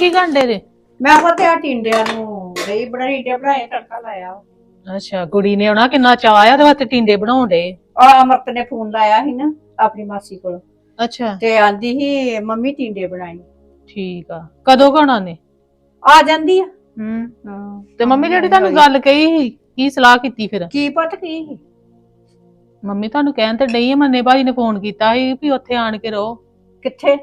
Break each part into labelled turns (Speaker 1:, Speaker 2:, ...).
Speaker 1: ਕੀ ਘੰਟੇ ਦੇ?
Speaker 2: ਮੈਂ ਪਤਾ ਆ ਟਿੰਡਿਆਂ ਨੂੰ ਗਈ ਟਿੰਡੇ ਬਣਾਏ ਤੜਕਾ ਲਾਇਆ।
Speaker 1: ਅੱਛਾ, ਕੁੜੀ ਨੇ ਆਉਣਾ, ਕਿੰਨਾ ਚਾਅ ਆ ਉਹਦੇ ਵਾਸਤੇ ਟਿੰਡੇ ਬਣਾਉਣ ਡੇ।
Speaker 2: ਅਮਰਤ ਨੇ ਫੋਨ ਲਾਇਆ ਸੀ ਨਾ ਆਪਣੀ ਮਾਸੀ ਕੋਲ
Speaker 1: ਅੱਛਾ
Speaker 2: ਤੇ ਆਂਦੀ ਸੀ ਮੰਮੀ ਟਿੰਡੇ ਬਣਾਈ।
Speaker 1: ਠੀਕ ਆ, ਕਦੋਂ ਖਾਣਾ ਨੇ?
Speaker 2: ਆ ਜਾਂਦੀ ਆ।
Speaker 1: ਹਾਂ ਤੇ ਮੰਮੀ ਜਿਹੜੀ ਤੁਹਾਨੂੰ ਗੱਲ ਕਹੀ ਸੀ, ਕੀ ਸਲਾਹ ਕੀਤੀ ਫਿਰ?
Speaker 2: ਕੀ ਪਤਾ ਕੀ ਸੀ?
Speaker 1: ਮੰਮੀ ਤੁਹਾਨੂੰ ਕਹਿਣ ਤੇ ਡਈ ਆ, ਮੰਨੇ ਭਾਜੀ ਨੇ ਫੋਨ ਕੀਤਾ ਸੀ ਵੀ ਉੱਥੇ ਆਣ ਕੇ ਰਹੋ।
Speaker 2: ਕਿੱਥੇ?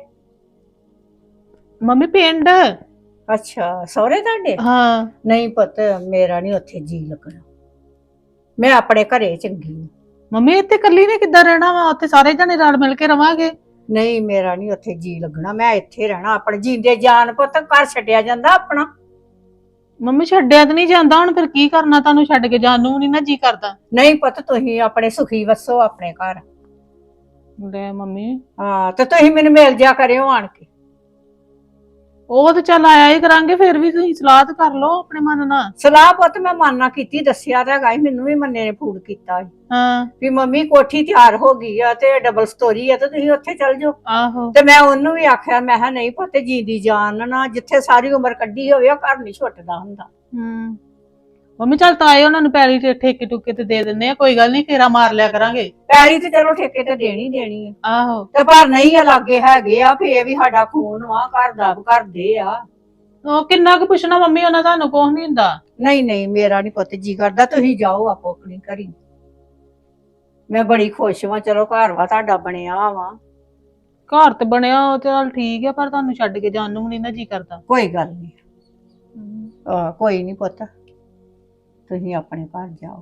Speaker 1: ਮੰਮੀ ਪਿੰਡ।
Speaker 2: ਅੱਛਾ ਸਹੁਰੇ ਤੁਹਾਡੇ?
Speaker 1: ਹਾਂ।
Speaker 2: ਨਹੀਂ ਪੁੱਤ ਮੇਰਾ ਨਹੀਂ ਉੱਥੇ ਜੀ ਲੱਗਣਾ, ਮੈਂ ਆਪਣੇ ਘਰੇ ਚੰਗੀ ਹਾਂ।
Speaker 1: ਮੰਮੀ ਇੱਥੇ ਇਕੱਲੀ ਨੇ ਕਿੱਦਾਂ ਰਹਿਣਾ ਵਾ? ਉੱਥੇ ਸਾਰੇ ਜਣੇ ਰਲ ਮਿਲ ਕੇ ਰਵਾਂਗੇ।
Speaker 2: ਨਹੀਂ ਮੇਰਾ ਨਹੀਂ ਉੱਥੇ ਜੀ ਲੱਗਣਾ, ਮੈਂ ਇੱਥੇ ਰਹਿਣਾ। ਆਪਣੇ ਜੀਂਦੇ ਜਾਨ ਪੁੱਤ ਘਰ ਛੱਡਿਆ ਜਾਂਦਾ ਆਪਣਾ।
Speaker 1: ਮੰਮੀ ਛੱਡਿਆ ਤਾਂ ਨਹੀਂ ਜਾਂਦਾ, ਹੁਣ ਫਿਰ ਕੀ ਕਰਨਾ? ਤੁਹਾਨੂੰ ਛੱਡ ਕੇ ਜਾਣ ਨੂੰ ਨਹੀਂ ਨਾ ਜੀ ਕਰਦਾ।
Speaker 2: ਨਹੀਂ ਪੁੱਤ ਤੁਸੀਂ ਆਪਣੇ ਸੁਖੀ ਵਸੋ ਆਪਣੇ ਘਰ।
Speaker 1: ਲੈ ਮੰਮੀ,
Speaker 2: ਹਾਂ ਤੇ ਤੁਸੀਂ ਮੈਨੂੰ ਮਿਲ ਜਾ ਕਰਿਓ ਆਣ ਕੇ।
Speaker 1: ਉਹ ਤੇ ਚੱਲ ਆਇਆ ਹੀ ਕਰਾਂਗੇ, ਫਿਰ ਵੀ ਤੁਸੀਂ ਸਲਾਹ ਤਾਂ ਕਰ ਲਓ ਆਪਣੇ ਮਨ ਨਾਲ।
Speaker 2: ਸਲਾਹ ਪੁੱਤ ਮੈਂ ਮਾਨਣਾ ਕੀਤੀ, ਦੱਸਿਆ ਤਾਂ ਹੈਗਾ ਸੀ, ਮੈਨੂੰ ਵੀ ਮੰਨੇ ਨੇ ਫੋਨ ਕੀਤਾ ਸੀ
Speaker 1: ਹਾਂ
Speaker 2: ਵੀ ਮੰਮੀ ਕੋਠੀ ਤਿਆਰ ਹੋ ਗਈ ਆ ਤੇ ਡਬਲ ਸਟੋਰੀ ਆ ਤੇ ਤੁਸੀਂ ਉੱਥੇ ਚੱਲ ਜਾਓ।
Speaker 1: ਆਹੋ।
Speaker 2: ਤੇ ਮੈਂ ਉਹਨੂੰ ਵੀ ਆਖਿਆ, ਮੈਂ ਕਿਹਾ ਨਹੀਂ ਪੁੱਤ ਜੀਂਦੀ ਜਾਨ ਨਾ, ਜਿੱਥੇ ਸਾਰੀ ਉਮਰ ਕੱਢੀ ਹੋਵੇ ਉਹ ਘਰ ਨਹੀਂ ਛੁੱਟਦਾ ਹੁੰਦਾ।
Speaker 1: ਮੰਮੀ ਚੱਲ ਤਾਏ ਉਹਨਾਂ ਨੂੰ ਪੈਲੀ ਤੇ ਠੇਕੇ ਟੁਕੇ ਤੇ ਦੇ ਦਿੰਦੇ ਆ, ਕੋਈ ਗੱਲ ਨਹੀਂ, ਫੇਰਾ ਮਾਰ ਲਿਆ ਕਰਾਂਗੇ।
Speaker 2: ਪੈਲੀ ਤੇ ਚਲੋ ਠੇਕੇ ਤੇ ਦੇਣੀ ਆ।
Speaker 1: ਆਹੋ।
Speaker 2: ਤੇ ਪਰ ਨਹੀਂ ਆ ਲਾਗੇ ਹੈਗੇ ਆ, ਫੇਰ ਵੀ ਸਾਡਾ ਖੂਨ ਵਾ, ਘਰ ਦਾ ਕਰਦੇ ਆ।
Speaker 1: ਉਹ ਕਿੰਨਾ ਕੁ ਪੁੱਛਣਾ ਮੰਮੀ, ਉਹਨਾਂ ਤੁਹਾਨੂੰ ਕੁਝ ਨਹੀਂ ਹੁੰਦਾ।
Speaker 2: ਨਹੀਂ ਮੇਰਾ ਨਹੀਂ ਪੁੱਤ ਜੀ ਕਰਦਾ, ਤੁਸੀਂ ਜਾਓ ਆਪੋ ਆਪਣੀ ਘਰੀ। ਮੈਂ ਬੜੀ ਖੁਸ਼ ਵਾਂ, ਚਲੋ ਘਰ ਵਾ ਤੁਹਾਡਾ ਬਣਿਆ ਵਾ।
Speaker 1: ਘਰ ਤੇ ਬਣਿਆ ਉਹ ਚੱਲ ਠੀਕ ਆ, ਪਰ ਤੁਹਾਨੂੰ ਛੱਡ ਕੇ ਜਾਣ ਨੂੰ ਨਹੀਂ ਨਾ ਜੀ ਕਰਦਾ।
Speaker 2: ਕੋਈ ਗੱਲ ਨਹੀਂ, ਕੋਈ ਨਹੀਂ ਪੁੱਤ, ਤੁਸੀਂ ਆਪਣੇ ਘਰ ਜਾਓ।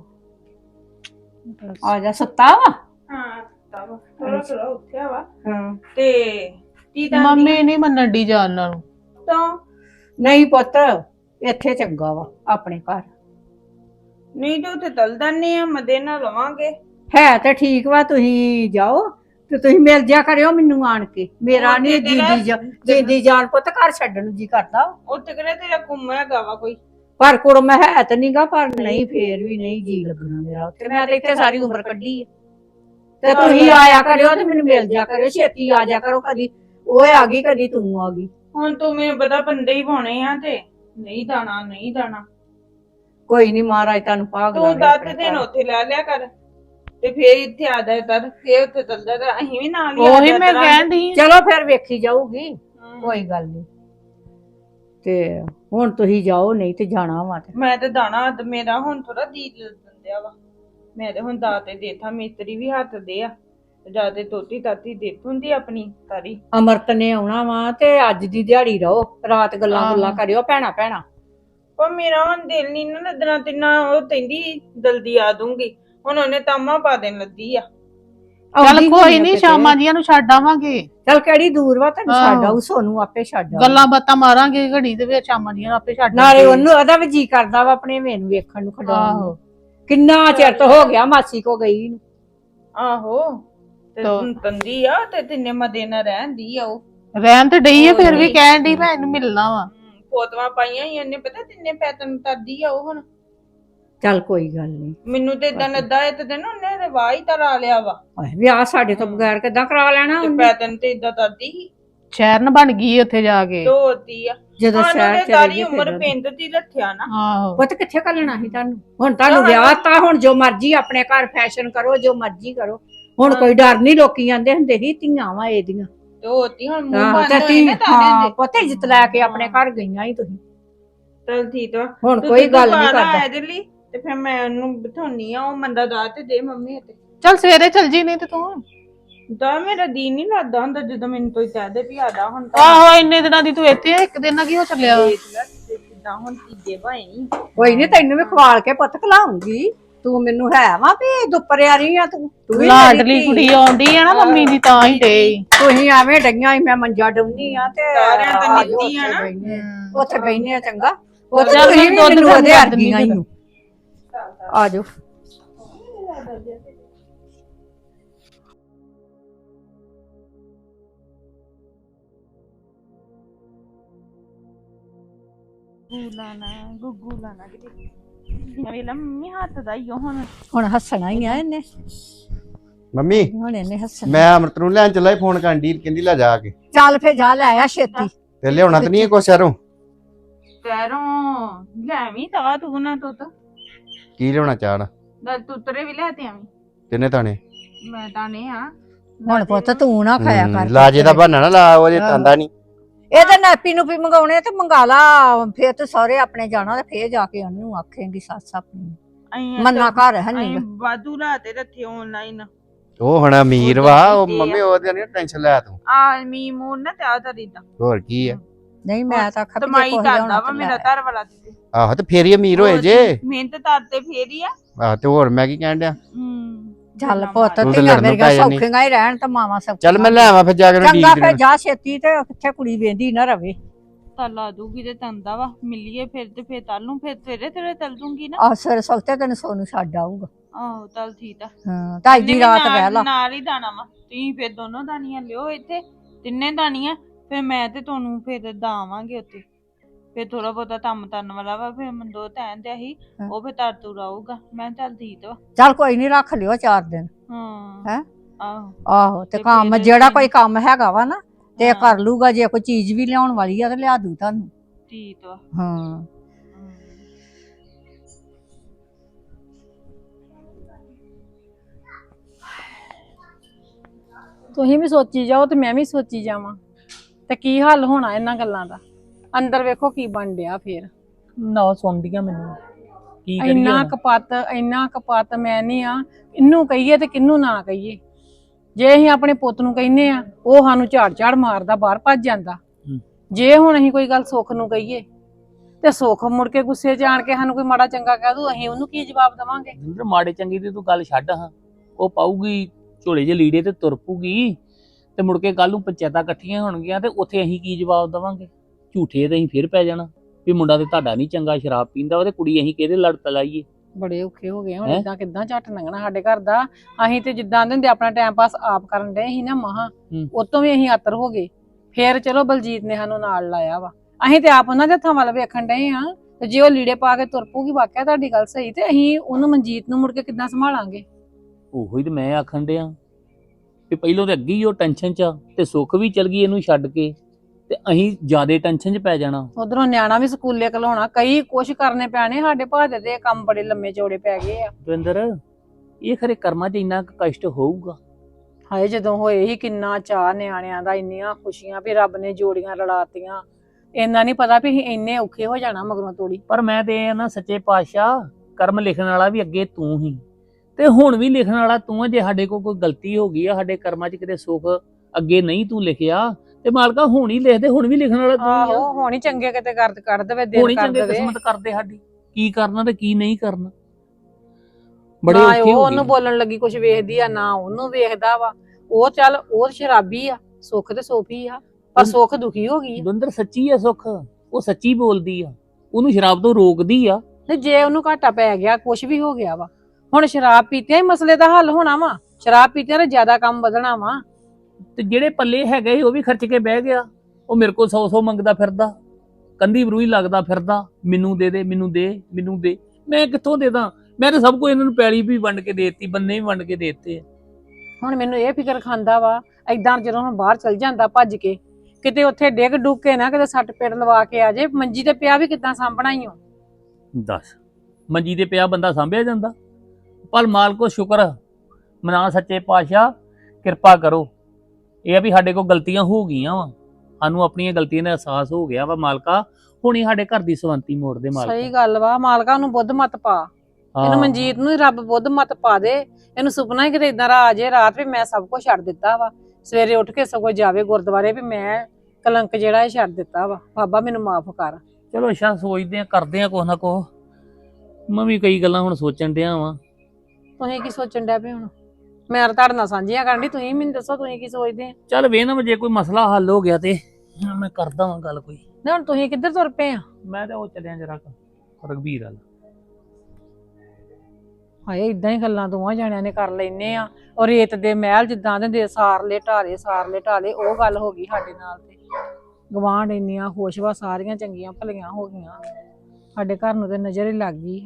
Speaker 2: ਆ ਜਾ, ਸੁੱਤਾ ਵਾ?
Speaker 3: ਹਾਂ ਸੁੱਤਾ ਵਾ, ਥੋੜਾ ਉੱਠਿਆ ਵਾ।
Speaker 2: ਹਾਂ
Speaker 3: ਤੇ ਕੀ ਦਾ
Speaker 1: ਮੰਮੀ ਨਹੀਂ ਮੰਨਣ ਦੀ ਜਾਣ ਨਾਲ।
Speaker 3: ਤਾਂ
Speaker 2: ਨਹੀਂ ਪੁੱਤ ਇੱਥੇ ਚੰਗਾ ਵਾ ਆਪਣੇ ਘਰ।
Speaker 3: ਨਹੀਂ ਤੇ ਉੱਥੇ ਤਲ ਦੰਨੇ ਆ, ਮਦੇ ਨਾਲ ਲਵਾਂਗੇ।
Speaker 2: ਹੈ ਤੇ ਠੀਕ ਵਾ, ਤੁਸੀਂ ਜਾਓ ਤੇ ਤੁਸੀਂ ਮਿਲ ਜਾ ਕਰਿਓ ਮੈਨੂੰ ਆਣ ਕੇ। ਮੇਰਾ ਨਹੀਂ ਜੀਂਦੀ ਜਾਨ ਪੁੱਤ ਘਰ ਛੱਡਣ ਨੂੰ ਜੀ ਕਰਦਾ।
Speaker 3: ਉੱਥੇ ਕਿਹੜਾ ਤੇਰਾ ਕੁੰਮ ਹੈਗਾ ਵਾ ਕੋਈ?
Speaker 2: ਪਰ ਕੁੜਮ ਹੈ ਤੇ ਨਹੀਂਗਾ, ਪਰ ਨਹੀਂ ਫੇਰ ਵੀ ਨਹੀਂ ਜੀ ਲੱਗਣਾ ਮੇਰਾ ਉੱਥੇ। ਮੈਂ ਤੇ ਇੱਥੇ ਸਾਰੀ ਉਮਰ ਕੱਢੀ ਆ। ਤੇ ਤੁਸੀਂ ਆਇਆ ਕਰਿਓ ਤੇ ਮੈਨੂੰ ਮਿਲ ਜਾ ਕਰਿਓ, ਛੇਤੀ ਆ ਜਾ ਕਰੋ, ਕਦੀ ਉਹ ਆ ਗਈ ਕਦੀ ਤੂੰ ਆ ਗਈ।
Speaker 3: ਹੁਣ ਤੂੰ ਮੈਨੂੰ ਪਤਾ ਬੰਦੇ ਹੀ ਪਾਉਣੇ ਆ ਤੇ ਨਹੀਂ ਦਾਣਾ।
Speaker 2: ਕੋਈ ਨਹੀਂ ਮਹਾਰਾਜ ਤੁਹਾਨੂੰ ਭਾਗ
Speaker 3: ਤੂੰ
Speaker 2: ਲਾਵੇ
Speaker 3: 10 ਦਿਨ ਉੱਥੇ ਲੈ ਲਿਆ ਕਰ ਤੇ ਫੇਰ ਇੱਥੇ ਆ ਜਾ ਕਰ, ਫੇਰ ਉੱਥੇ ਚੱਲ ਜਾ ਕਰ, ਅਸੀਂ ਵੀ ਨਾਲ ਹੀ ਆ
Speaker 1: ਉਹੀ
Speaker 3: ਜਾ
Speaker 1: ਮੈਂ
Speaker 3: ਕਰਾਂਗੇ।
Speaker 1: ਕਹਿਣ ਦੀ।
Speaker 2: ਚਲੋ ਫਿਰ ਵੇਖੀ ਜਾਊਗੀ, ਕੋਈ ਗੱਲ ਨਹੀਂ। ਤੇ ਹੁਣ ਤੁਸੀਂ ਜਾਓ, ਨਹੀਂ ਤੇ ਜਾਣਾ ਵਾ ਤੇ।
Speaker 3: ਮੈਂ ਤੇ ਦਾਣਾ ਮੇਰਾ ਹੁਣ ਥੋੜਾ ਦੀ ਦਿੰਦਿਆ ਵਾ। ਮੈਂ ਤੇ ਹੁਣ ਦਾਤੇ ਦੇਥਾ, ਮਿਸਤਰੀ ਵੀ ਹੱਥ ਦੇ ਆ, ਜਾਤੇ ਤੋਤੀ ਤਾਤੀ ਦੇਤ ਹੁੰਦੀ ਆਪਣੀ ਸਾਰੀ।
Speaker 2: ਅਮਰਤ ਨੇ ਆਉਣਾ ਵਾ ਤੇ ਅੱਜ ਦੀ ਦਿਹਾੜੀ ਰਹੋ, ਰਾਤ ਗੱਲਾਂ ਕਰਿਓ ਭੈਣਾ।
Speaker 3: ਪਰ ਮੇਰਾ ਹੁਣ ਦਿਲ ਨਹੀਂ ਨਾ ਲੱਦਣਾ ਤਿੰਨਾ, ਉਹ ਕਹਿੰਦੀ ਜਲਦੀ ਆ ਦੂੰਗੀ, ਹੁਣ ਉਹਨੇ ਤਾਮਾ ਪਾ ਦੇਣ ਲੱਗੀ ਆ।
Speaker 1: ਚੱਲ ਕੋਈ ਨਹੀਂ, ਸ਼ਾਮਾਂ ਜੀਆਂ ਨੂੰ ਛੱਡ ਆਵਾਂਗੇ।
Speaker 2: ਚੱਲ ਕਿਹੜੀ ਦੂਰ ਵਾ, ਤੈਨੂੰ ਛੱਡ ਆਊ, ਸੋਨੂੰ ਆਪੇ ਛੱਡ ਆਊ।
Speaker 1: ਗੱਲਾਂ ਬਾਤਾਂ ਮਾਰਾਂਗੇ ਘੜੀ ਤੇ ਫਿਰ ਸ਼ਾਮਾਂ ਜੀਆਂ ਆਪੇ ਛੱਡ
Speaker 2: ਨਾਲੇ ਉਹਨੂੰ ਉਹਦਾ ਵੀ ਜੀ ਕਰਦਾ ਵਾ ਆਪਣੇ ਮੈਨੂੰ ਵੇਖਣ ਨੂੰ, ਖਡਾਉਣ ਨੂੰ। ਕਿੰਨਾ ਚਿਰ ਤੋਂ ਹੋ ਗਿਆ ਮਾਸੀ ਕੋ ਗਈ ਨੂੰ।
Speaker 3: ਆਹੋ ਤੇ ਤੰਦੀ ਆ ਤੇ ਤਿੰਨੇ ਮਦੇ ਨਾਲ ਰਹਿੰਦੀ ਆ। ਉਹ
Speaker 1: ਰਹਿਣ ਤੇ ਡਈ ਆ, ਫਿਰ ਵੀ ਕਹਿਣ ਡਈ ਮੈਂ ਇਹਨੂੰ ਮਿਲਣਾ ਵਾ।
Speaker 3: ਫੋਟੋਆਂ ਪਾਈਆਂ ਹੀ ਇਹਨੇ, ਪਤਾ ਤਿੰਨੇ ਪੈਤਨ ਤਰਦੀ ਆ ਉਹ ਹੁਣ।
Speaker 2: ਚੱਲ ਕੋਈ ਗੱਲ ਨਹੀਂ,
Speaker 3: ਮੈਨੂੰ ਤੇ ਇਦਾਂ ਲੱਦਾ ਇਹ ਤੇ ਨਾ ਉਹਨੇ ਰਿਵਾਹ ਹੀ ਤਰਾ ਲਿਆ ਵਾ।
Speaker 2: ਵਿਆਹ ਸਾਡੇ ਤੋਂ ਬਗੈਰ ਕਿੱਦਾਂ ਕਰਾ ਲੈਣਾ ਉਹਨੇ?
Speaker 3: ਪੈਤਨ ਤੇ ਇਦਾਂ ਤਰਦੀ ਸੀ,
Speaker 1: ਸ਼ਹਿਰਨ ਬਣ ਗਈ ਉੱਥੇ ਜਾ ਕੇ।
Speaker 3: ਦੋਤੀ ਆ
Speaker 2: ਜਦੋਂ ਸ਼ਹਿਰ ਚ
Speaker 3: ਸਾਰੀ ਉਮਰ ਪਿੰਡ ਦੀ ਰੱਖਿਆ ਨਾ।
Speaker 1: ਆਹੋ
Speaker 2: ਪੁੱਤ ਕਿੱਥੇ ਘੱਲਣਾ ਸੀ ਤੁਹਾਨੂੰ? ਹੁਣ ਤੁਹਾਨੂੰ ਵਿਆਹ ਤਾਂ ਹੁਣ ਜੋ ਮਰਜ਼ੀ ਆਪਣੇ ਘਰ ਫੈਸ਼ਨ ਕਰੋ, ਜੋ ਮਰਜ਼ੀ ਕਰੋ, ਹੁਣ ਕੋਈ ਡਰ ਨਹੀਂ। ਲੋਕੀ ਜਾਂਦੇ ਹੁੰਦੇ ਸੀ ਧੀਆਂ ਵਾ ਇਹਦੀਆਂ,
Speaker 3: ਦੋਤੀ ਹੁਣ ਮੂੰਹ ਬੰਦ ਹੋਏ ਨਾ ਤਾਨੇ ਦੇ।
Speaker 2: ਪੁੱਤ ਇੱਜ਼ਤ ਲੈ ਕੇ ਆਪਣੇ ਘਰ ਗਈਆਂ ਹੀ ਤੁਸੀਂ।
Speaker 3: ਚਲ ਠੀਕ ਆ,
Speaker 2: ਹੁਣ ਕੋਈ ਗੱਲ ਨਹੀਂ ਕਰਦਾ।
Speaker 3: ਇਹਦੇ ਲਈ ਤੇ ਫਿਰ ਮੈਂ ਉਹਨੂੰ ਬਿਠਾਉਣੀ ਆ, ਉਹ ਮੰਦਾ ਦਾ ਤੇ ਦੇ ਮੰਮੀ ਤੇ।
Speaker 1: ਚੱਲ ਸਵੇਰੇ ਚੱਲ ਜੀ, ਨਹੀਂ ਤੇ ਤੂੰ
Speaker 3: ਦਾ ਮੇਰਾ ਦੀਨ ਨਹੀਂ ਲੱਗਦਾ ਹੁੰਦਾ ਜਦੋਂ ਮੈਨੂੰ ਕੋਈ ਕਹਦੇ ਵੀ ਆ ਜਾ ਹੁਣ ਤਾਂ।
Speaker 1: ਆਹੋ ਇੰਨੇ ਦਿਨਾਂ ਦੀ ਤੂੰ ਇੱਥੇ ਆ, ਇੱਕ ਦਿਨ ਨਾਲ ਕੀ ਹੋ ਚੱਲਿਆ?
Speaker 3: ਦੇਖ ਲੈ ਕਿਦਾਂ ਹੁਣ ਤੀਜੇ ਭਾਈ।
Speaker 2: ਕੋਈ ਨਹੀਂ, ਤੈਨੂੰ ਵੀ ਖਵਾਲ ਕੇ ਪੁੱਤ ਖਲਾਉਂਗੀ। ਤੂੰ ਮੈਨੂੰ ਹੈ ਵਾ ਵੀ ਦੁੱਪਰਿਆ ਰਹੀ ਆ ਤੂੰ ਵੀ
Speaker 1: ਲਾਡਲੀ ਕੁੜੀ ਆਉਂਦੀ ਆ ਨਾ ਮੰਮੀ ਦੀ, ਤਾਂ ਹੀ ਡੇ
Speaker 2: ਤੁਸੀਂ ਐਵੇਂ ਡਈਆਂ ਹੀ, ਮੈਂ ਮੰਜਾ ਡਾਉਣੀ ਆ ਤੇ
Speaker 3: ਸਾਰਿਆਂ ਤਾਂ ਨਿੱਤੀ ਆ ਨਾ।
Speaker 2: ਉੱਥੇ ਬੈਠਨੇ ਆ ਚੰਗਾ। ਉਹ
Speaker 1: ਚੱਲ
Speaker 2: ਤੁਸੀਂ ਵੀ
Speaker 1: ਦੁੱਧ
Speaker 2: ਮੈਨੂੰ ਉਹਦੇ
Speaker 1: ਕਰ
Speaker 2: ਅਰਗੀਆਂ ਹੀ ਆ ਜਾਓ।
Speaker 3: ਗੁੱਗੂ ਲਾਣਾ ਕਿਤੇ ਵੇਲਾ ਮੰਮੀ ਹੱਥ ਦਾ ਹੀ
Speaker 2: ਹੁਣ ਹੱਸਣਾ ਹੀ ਆ ਇਹਨੇ।
Speaker 4: ਮੰਮੀ
Speaker 2: ਹੁਣ ਇਹਨੇ ਹੱਸਣਾ।
Speaker 4: ਮੈਂ ਅਮਰਤ ਨੂੰ ਲੈਣ ਚੱਲਾ, ਫੋਨ ਕਰਨ ਦੀ ਕਹਿੰਦੀ ਲੈ ਜਾ ਕੇ।
Speaker 2: ਚੱਲ ਫੇ ਜਾ ਲੈ ਆ ਛੇਤੀ।
Speaker 4: ਤੇ ਲਿਆਉਣਾ ਤੇ ਨਹੀਂ ਹੈ ਕੁਛ ਸ਼ਹਿਰੋਂ?
Speaker 3: ਸ਼ਹਿਰੋਂ ਲੈਵੀਂ ਤਾਂ ਤੂੰ ਨਾ ਤੁੱਤ
Speaker 4: ਕੀ ਲਿਆਉਣਾ ਚਾਹ ਨਾਲ?
Speaker 3: ਨਾਲ ਤੁੱਤਰੇ ਵੀ ਲੈ ਤੇ ਆਵੀਂ।
Speaker 4: ਕਿੰਨੇ ਤਾਣੇ?
Speaker 3: ਮੈਂ ਤਾਂ ਨਹੀਂ ਆ
Speaker 2: ਹੁਣ ਪੁੱਤ ਤੂੰ ਨਾ ਖਾਇਆ ਕਰ
Speaker 4: ਲਾਜੇ ਦਾ ਬਹਾਨਾ ਨਾ ਲਾ, ਉਹ ਜੇ
Speaker 2: ਆਹੋ।
Speaker 4: ਤੰਦਾ ਨਹੀਂ।
Speaker 2: ਇਹ ਤਾਂ ਨੈਪੀ ਨੂੰ ਵੀ ਮੰਗਾਉਣੇ ਤੇ ਮੰਗਾ ਲਾ, ਫੇਰ ਤੂੰ ਸਹੁਰੇ ਆਪਣੇ ਜਾਣਾ ਤੇ ਫੇਰ ਜਾ ਕੇ ਉਹਨੂੰ ਆਖੇਂਗੀ ਸੱਸ ਆਪਣੀ
Speaker 3: ਅਈਆਂ
Speaker 2: ਮੰਨਾ ਘਰ ਹੈ
Speaker 3: ਅਈਂ
Speaker 2: ਨਹੀਂ
Speaker 3: ਵਾਧੂ ਰਾਤੇ ਰੱਖੇ ਆਨਲਾਈਨ
Speaker 4: ਉਹ ਹੁਣ ਅਮੀਰ
Speaker 3: ਉਹ
Speaker 4: ਵਾ,
Speaker 3: ਤਾਂ
Speaker 4: ਉਹ
Speaker 3: ਕੀਤੇ
Speaker 4: ਮੰਮੀ ਉਹਦੇ ਨਹੀਂ ਟੈਨਸ਼ਨ ਲੈ ਤੂੰ।
Speaker 3: ਆ ਮੀ ਮੂਨ ਨਾ ਤੇ ਤਰੀ ਦਾ
Speaker 4: ਹੋਰ ਕੀ ਆ?
Speaker 2: ਨਹੀਂ ਮੈਂ ਤਾਂ ਆਖਿਆ ਵੀ ਜੇ
Speaker 3: ਤਮਾਈ
Speaker 2: ਕੁਛ
Speaker 3: ਕਰਦਾ
Speaker 2: ਲਿਆਉਣਾ
Speaker 3: ਵਾ
Speaker 2: ਤਾਂ
Speaker 3: ਮੇਰਾ
Speaker 2: ਲੈ।
Speaker 3: ਘਰ ਵਾਲਾ ਤੇ
Speaker 4: ਆਹੋ ਤੇ ਫੇਰ ਹੀ ਅਮੀਰ ਹੋਏ ਜੇ।
Speaker 3: ਮਿਹਨਤ ਕਰਦੇ ਫੇਰ ਹੀ ਆ
Speaker 4: ਆਹ ਤੇ ਹੋਰ ਮੈਂ ਕੀ ਕਹਿਣ ਡਿਆ?
Speaker 2: ਚੱਲ ਪੁੱਤ
Speaker 4: ਤੂੰ ਤਾਂ
Speaker 2: ਧੀਆਂ
Speaker 4: ਲੜਨ ਨੂੰ
Speaker 2: ਮੇਰੀਆਂ
Speaker 4: ਪੈ ਜਾਂਦੀ।
Speaker 2: ਸੌਖੀਆਂ ਹੀ ਰਹਿਣ ਤਾਂ ਮਾਵਾਂ ਸੌਖੀਆਂ
Speaker 4: ਚੱਲ ਮੈਂ ਲੈ ਆਵਾਂ ਫਿਰ ਜਾ ਕੇ ਉਹਨੂੰ
Speaker 2: ਚੰਗਾ
Speaker 4: ਡੀਕ
Speaker 2: ਫੇਰ ਜਾ ਛੇਤੀ ਤੇ ਕਿੱਥੇ ਕੁੜੀ ਵੇਂਦੀ ਨਾ ਰਵੇ।
Speaker 3: ਤਲਾ ਦੂਗੀ ਤੇ ਤੰਦਾ ਵਾ ਮਿਲੀਏ ਫਿਰ ਤੇ ਫਿਰ ਤਲ ਨੂੰ ਫਿਰ ਤੇਰੇ ਤਲ ਦੂੰਗੀ ਨਾ
Speaker 2: ਆ ਸਵੇਰੇ ਸੌਖਤੇ ਤੈਨੂੰ ਸੋਨੂੰ ਛੱਡ ਆਊਗਾ।
Speaker 3: ਆਹੋ ਤਲ ਠੀਕ ਆ
Speaker 2: ਹਾਂ ਤਾਂ ਦੀ ਰਾਤ ਰਹਿ ਲਾ।
Speaker 3: ਨਾਲ ਹੀ ਦਾਣਾ ਵਾ ਤੁਸੀਂ ਫਿਰ ਦੋਨੋਂ ਦਾਣੀਆਂ ਲਿਓ ਇੱਥੇ ਤਿੰਨੇ ਦਾਣੀਆਂ ਫਿਰ ਮੈਂ ਤੇ ਤੁਹਾਨੂੰ ਫਿਰ ਦਾਵਾਂਗੇ ਉੱਤੇ ਫਿਰ ਥੋੜਾ ਬਹੁਤਾ ਕੰਮ ਤਰਨ ਵਾਲਾ ਵਾ ਫਿਰ ਮੰਦੋ ਤੈਨ ਤੇ ਆਹੀ ਉਹ ਫਿਰ ਤਰ ਤੁਰ ਆਊਗਾ ਮੈਂ ਚੱਲ ਠੀਕ ਵਾ
Speaker 2: ਚੱਲ ਕੋਈ ਨਹੀਂ ਰੱਖ ਲਿਓ 4 ਦਿਨ।
Speaker 3: ਹਾਂ
Speaker 2: ਹੈਂ?
Speaker 3: ਆਹੋ
Speaker 2: ਆਹੋ ਤੇ
Speaker 3: ਤੇ
Speaker 2: ਕੰਮ
Speaker 3: ਫਿਰ
Speaker 2: ਜਿਹੜਾ
Speaker 3: ਇਹਨੇ-
Speaker 2: ਕੋਈ ਕੰਮ ਹੈਗਾ ਵਾ ਨਾ ਤੇ
Speaker 3: ਹਾਂ।
Speaker 2: ਕਰ ਲੂਗਾ, ਜੇ ਕੋਈ ਚੀਜ਼ ਵੀ ਲਿਆਉਣ ਵਾਲੀ ਆ ਤੇ ਲਿਆ ਦੂ ਤੁਹਾਨੂੰ।
Speaker 3: ਠੀਕ ਵਾ
Speaker 2: ਹਾਂ
Speaker 1: ਤੁਸੀਂ ਵੀ ਸੋਚੀ ਜਾਓ ਤੇ ਮੈਂ ਵੀ ਸੋਚੀ ਜਾਵਾਂ ਤੇ ਕੀ ਹੱਲ ਹੋਣਾ ਇਹਨਾਂ ਗੱਲਾਂ ਦਾ। ਅੰਦਰ ਵੇਖੋ ਕੀ ਬਣ ਡਿਆ ਫੇਰ।
Speaker 5: ਨਾ ਸੁਣਦੀਆਂ ਮੈਨੂੰ ਕੀ ਕਰੀਏ
Speaker 1: ਇੰਨਾ ਕਪੱਤ ਮੈਂ ਨਹੀਂ ਆ, ਇਹਨੂੰ ਕਹੀਏ ਤੇ ਕਿਹਨੂੰ ਨਾ ਕਹੀਏ। ਜੇ ਅਸੀਂ ਆਪਣੇ ਪੁੱਤ ਨੂੰ ਕਹਿੰਨੇ ਆ ਉਹ ਸਾਨੂੰ ਝਾੜ ਮਾਰਦਾ ਬਾਹਰ ਭੱਜ ਜਾਂਦਾ। ਜੇ ਹੁਣ ਅਸੀਂ ਕੋਈ ਗੱਲ ਸੁੱਖ ਨੂੰ ਕਹੀਏ ਤੇ ਸੁੱਖ ਮੁੜ ਕੇ ਗੁੱਸੇ 'ਚ ਆਣ ਕੇ ਸਾਨੂੰ ਕੋਈ ਮਾੜਾ ਚੰਗਾ ਕਹਿ ਦੂ, ਅਸੀਂ ਉਹਨੂੰ ਕੀ ਜਵਾਬ ਦੇਵਾਂਗੇ?
Speaker 5: ਜਿੰਦਰ ਮਾੜੇ ਚੰਗੀ ਦੀ ਤੂੰ ਗੱਲ ਛੱਡ ਹਾਂ, ਉਹ ਪਾਊਗੀ ਝੋਲੇ 'ਚ ਲੀੜੇ ਤੇ ਤੁਰ ਪੂਗੀ ਤੇ ਮੁੜ ਕੇ ਕੱਲ ਨੂੰ ਪੰਚਾਇਤਾਂ ਇਕੱਠੀਆਂ ਹੋਣਗੀਆਂ ਤੇ ਉੱਥੇ ਅਸੀਂ ਕੀ ਜਵਾਬ ਦੇਵਾਂਗੇ? ਝੂਠੇ ਤੇ ਅਸੀਂ ਫਿਰ ਪੈ ਜਾਣਾ ਵੀ ਮੁੰਡਾ ਤੇ ਤੁਹਾਡਾ ਨਹੀਂ ਚੰਗਾ, ਸ਼ਰਾਬ ਪੀਂਦਾ ਉਹਦੇ ਕੁੜੀ ਅਸੀਂ ਕਿਹਦੇ ਲੜ ਤਲਾਈਏ।
Speaker 1: ਬੜੇ ਔਖੇ ਹੋ ਗਏ ਹੁਣ।
Speaker 5: ਹੈਂ?
Speaker 1: ਇਦਾਂ ਕਿੱਦਾਂ ਝੱਟ ਲੰਘਣਾ ਸਾਡੇ ਘਰ ਦਾ? ਅਸੀਂ ਤੇ ਜਿੱਦਾਂ ਦੇ ਹੁੰਦੇ ਆਪਣਾ ਟਾਈਮ ਪਾਸ ਆਪ ਕਰਨ ਡਏ ਸੀ ਨਾ ਮਹਾ, ਉਤੋਂ ਵੀ ਅਸੀਂ ਆਤਰ ਹੋ ਗਏ। ਫੇਰ ਚਲੋ ਬਲਜੀਤ ਨੇ ਸਾਨੂੰ ਨਾਲ ਲਾਇਆ ਵਾ, ਅਸੀਂ ਤੇ ਆਪ ਉਹਨਾਂ ਦੇ ਹੱਥਾਂ ਵੱਲ ਵੇਖਣ ਡਏ ਆ। ਤੇ ਜੇ ਉਹ ਲੀੜੇ ਪਾ ਕੇ ਤੁਰ ਪੂਗੀ, ਵਾਕਿਆ ਤੁਹਾਡੀ ਗੱਲ ਸਹੀ, ਤੇ ਅਸੀਂ ਉਹਨੂੰ ਮਨਜੀਤ ਨੂੰ ਮੁੜ ਕੇ ਕਿੱਦਾਂ ਸੰਭਾਲਾਂਗੇ?
Speaker 5: ਉਹੀ ਤੇ ਮੈਂ ਆਖਣ ਡਿਆ ਵੀ ਪਹਿਲੋਂ ਤੇ ਅੱਗੇ ਹੀ ਉਹ ਟੈਨਸ਼ਨ 'ਚ ਆ ਤੇ ਸੁੱਖ ਵੀ ਚਲ ਗਈ ਇਹਨੂੰ ਛੱਡ ਕੇ ਤੇ ਅਸੀਂ ਜ਼ਿਆਦੇ ਟੈਨਸ਼ਨ 'ਚ ਪੈ ਜਾਣਾ।
Speaker 1: ਉਧਰੋਂ ਨਿਆਣਾ ਵੀ ਸਕੂਲੇ ਘਲਾਉਣਾ, ਕਈ ਕੁਛ ਕਰਨੇ ਪੈਣੇ। ਸਾਡੇ ਭਾਜੇ ਦੇ ਕੰਮ ਬੜੇ ਲੰਮੇ ਚੌੜੇ ਪੈ ਗਏ ਆ।
Speaker 5: ਦਵਿੰਦਰ ਇਹ ਖਰੇ ਕਰਮਾਂ 'ਚ ਇੰਨਾ ਕੁ ਕਸ਼ਟ ਹੋਊਗਾ?
Speaker 1: ਹਾਏ ਜਦੋਂ ਹੋਏ ਹੀ ਕਿੰਨਾ ਚਾਅ ਨਿਆਣਿਆਂ ਦਾ, ਇੰਨੀਆਂ ਖੁਸ਼ੀਆਂ ਵੀ ਰੱਬ ਨੇ ਜੋੜੀਆਂ ਰਲਾਤੀਆਂ। ਇੰਨਾ ਨਹੀਂ ਪਤਾ ਵੀ ਅਸੀਂ ਇੰਨੇ ਔਖੇ ਹੋ ਜਾਣਾ ਮਗਰੋਂ ਤੋੜੀ।
Speaker 5: ਪਰ ਮੈਂ ਤੇ ਇਹ ਆ ਨਾ, ਸੱਚੇ ਪਾਤਸ਼ਾਹ ਕਰਮ ਲਿਖਣ ਵਾਲਾ ਵੀ ਅੱਗੇ ਤੂੰ ਹੀ ਤੇ ਹੁਣ ਵੀ ਲਿਖਣ ਵਾਲਾ ਤੂੰ ਆ। ਜੇ ਸਾਡੇ ਕੋਲ ਕੋਈ ਗਲਤੀ ਹੋ ਗਈ ਆ, ਸਾਡੇ ਕਰਮਾਂ 'ਚ ਕਿਤੇ ਸੁੱਖ ਅੱਗੇ ਨਹੀਂ ਤੂੰ ਲਿਖਿਆ ਤੇ ਮਾਲਕਾ ਹੁਣ ਹੀ ਲਿਖ ਦੇ, ਹੁਣ ਵੀ ਲਿਖਣ ਵਾਲਾ ਤੂੰ ਹੀ ਆ।
Speaker 1: ਆਹੋ ਹੁਣ ਹੀ ਚੰਗੇ ਕਿਤੇ ਕਰ ਦੇਵੇ, ਦਿਲ
Speaker 5: ਹੁਣ ਹੀ
Speaker 1: ਕਰ
Speaker 5: ਚੰਗੇ
Speaker 1: ਦੇਵੇ।
Speaker 5: ਕਿਸਮਤ ਕਰਦੇ ਸਾਡੀ, ਕੀ ਕਰਨਾ ਤੇ ਕੀ ਨਹੀਂ ਕਰਨਾ। ਬੜੇ
Speaker 1: ਨਾ
Speaker 5: ਔਖੇ
Speaker 1: ਉਹ
Speaker 5: ਹੋ
Speaker 1: ਉਹਨੂੰ
Speaker 5: ਗਏ।
Speaker 1: ਬੋਲਣ ਲੱਗੀ ਕੁਛ ਵੇਖਦੀ ਆ, ਨਾ ਉਹਨੂੰ ਵੇਖਦਾ ਵਾ। ਉਹ ਚੱਲ ਉਹ ਸ਼ਰਾਬੀ ਆ, ਸੁੱਖ ਤੇ ਸੋਫੀ ਆ, ਪਰ ਸੁੱਖ ਦੁਖੀ ਹੋ ਗਈ ਆ।
Speaker 5: ਦਵਿੰਦਰ ਸੱਚੀ ਆ ਸੁੱਖ, ਉਹ ਸੱਚੀ ਬੋਲਦੀ ਆ, ਉਹਨੂੰ ਸ਼ਰਾਬ ਤੋਂ ਰੋਕਦੀ ਆ।
Speaker 1: ਤੇ ਜੇ ਉਹਨੂੰ ਘਾਟਾ ਪੈ ਗਿਆ, ਕੁਛ ਵੀ ਹੋ ਗਿਆ ਵਾ, ਹੁਣ ਸ਼ਰਾਬ ਪੀਤਿਆਂ ਹੀ ਮਸਲੇ ਦਾ ਹੱਲ ਹੋਣਾ ਵਾ? ਸ਼ਰਾਬ ਪੀਤਿਆਂ ਦਾ ਜ਼ਿਆਦਾ ਕੰਮ ਵਧਣਾ ਵਾ।
Speaker 5: ਤੇ ਜਿਹੜੇ ਪੱਲੇ ਹੈਗੇ ਸੀ ਉਹ ਵੀ ਖਰਚ ਕੇ ਬਹਿ ਗਿਆ। ਉਹ ਮੇਰੇ ਕੋਲ 100 ਮੰਗਦਾ ਫਿਰਦਾ, ਕੰਧੀ ਬਰੂਹੀ ਲੱਗਦਾ ਫਿਰਦਾ, ਮੈਨੂੰ ਦੇ ਦੇ, ਮੈਨੂੰ ਦੇ, ਮੈਨੂੰ ਦੇ। ਮੈਂ ਕਿੱਥੋਂ ਦੇ ਦਾਂ? ਮੈਂ ਤਾਂ ਸਭ ਕੁਝ ਇਹਨਾਂ ਨੂੰ ਪੈਲੀ ਵੀ ਵੰਡ ਕੇ ਦੇਤੀ, ਬੰਨੇ ਵੀ ਵੰਡ ਕੇ ਦੇਤੇ।
Speaker 1: ਹੁਣ ਮੈਨੂੰ ਇਹ ਫਿਕਰ ਖਾਂਦਾ ਵਾ, ਏਦਾਂ ਜਦੋਂ ਹੁਣ ਬਾਹਰ ਚਲ ਜਾਂਦਾ ਭੱਜ ਕੇ, ਕਿਤੇ ਉੱਥੇ ਡਿੱਗ ਡੁੱਗ ਕੇ ਨਾ ਕਿਤੇ ਸੱਟ ਪੇਟ ਲਵਾ ਕੇ ਆ ਜੇ। ਮੰਜੀ ਤੇ ਪਿਆ ਵੀ ਕਿੱਦਾਂ ਸਾਂਭਣਾ ਈ ਓ?
Speaker 5: ਦੱਸ, ਮੰਜੀ ਤੇ ਪਿਆ ਬੰਦਾ ਸਾਂਭਿਆ ਜਾਂਦਾ? ਪਰ ਮਾਲਕੋ ਸ਼ੁਕਰ ਮਨਾ, ਸੱਚੇ ਪਾਤਸ਼ਾਹ ਕਿਰਪਾ ਕਰੋ। ਇਹ ਆ ਵੀ ਸਾਡੇ ਕੋਲ ਗਲਤੀਆਂ ਹੋ ਗਈਆਂ ਵਾ, ਸਾਨੂੰ ਆਪਣੀਆਂ ਗਲਤੀਆਂ ਦਾ ਅਹਿਸਾਸ ਹੋ ਗਿਆ ਵਾ। ਮਾਲਕਾ ਹੁਣੀ ਸਾਡੇ ਘਰ ਦੀ ਸਵੰਤੀ ਮੋੜ ਦੇ ਮਾਲਕਾ।
Speaker 1: ਸਹੀ ਗੱਲ ਵਾ, ਮਾਲਕਾ ਨੂੰ ਬੁੱਧ ਮਤ ਪਾ। ਇਹਨੂੰ ਮਨਜੀਤ ਨੂੰ ਹੀ ਰੱਬ ਬੁੱਧ ਮਤ ਪਾ ਦੇ। ਇਹਨੂੰ ਸੁਪਨਾ ਹੀ ਕਿਤੇ ਇਦਾਂ ਆ ਜੇ ਰਾਤ ਵੀ ਮੈਂ ਸਭ ਕੁਝ ਛੱਡ ਦਿੱਤਾ ਵਾ, ਸਵੇਰੇ ਉੱਠ ਕੇ ਸਗੋਂ ਜਾਵੇ ਗੁਰਦੁਆਰੇ ਵੀ ਮੈਂ ਕਲੰਕ ਜਿਹੜਾ ਇਹ ਛੱਡ ਦਿੱਤਾ ਵਾ, ਬਾਬਾ ਮੈਨੂੰ ਮਾਫ ਕਰ।
Speaker 5: ਚਲੋ ਅੱਛਾ, ਸੋਚਦੇ ਆ, ਕਰਦੇ ਆ ਕੁਛ ਨਾ ਕੁਛ। ਮੈਂ ਵੀ ਕਈ ਗੱਲਾਂ ਹੁਣ ਸੋਚਣ ਡਿਆ ਵਾਂ।
Speaker 1: ਤੁਸੀਂ ਕੀ ਸੋਚਣ ਡਿਆ ਪਏ ਹੁਣ? ਮੈਂ ਤਾਂ ਤੁਹਾਡੇ ਨਾਲ ਸਾਂਝੀਆਂ ਕਰਨ ਡਈ, ਤੁਸੀਂ ਮੈਨੂੰ ਦੱਸੋ ਤੁਸੀਂ ਕੀ ਸੋਚਦੇ ਆ?
Speaker 5: ਚੱਲ ਵੇਖ ਜੇ ਕੋਈ ਮਸਲਾ ਹੱਲ ਹੋ ਗਿਆ ਤੇ ਮੈਂ ਕਰਦਾ ਵਾਂ ਗੱਲ ਕੋਈ।
Speaker 1: ਨਾ ਹੁਣ ਤੁਸੀਂ ਕਿੱਧਰ ਤੁਰ ਪਏ ਆ?
Speaker 5: ਮੈਂ ਤਾਂ ਉਹ ਚੱਲਿਆ ਜਰਾ ਰਘਬੀਰ ਵੱਲ।
Speaker 1: ਹਾਏ ਇਦਾਂ ਹੀ ਗੱਲਾਂ ਦੋਵਾਂ ਜਾਣਿਆਂ ਨੇ ਕਰ ਲੈਨੇ ਆ। ਔਰ ਰੇਤ ਦੇ ਮਹਿਲ ਜਿੱਦਾਂ ਦੇ ਸਾਰਲੇ ਢਾਲੇ ਉਹ ਗੱਲ ਹੋ ਗਈ ਸਾਡੇ ਨਾਲ। ਤੇ ਗਵਾਂਢ ਇੰਨੀਆਂ ਖੁਸ਼ ਵਾ, ਸਾਰੀਆਂ ਚੰਗੀਆਂ ਭਲੀਆਂ ਹੋ ਗਈਆਂ, ਸਾਡੇ ਘਰ ਨੂੰ ਤੇ ਨਜ਼ਰ ਹੀ ਲੱਗ ਗਈ।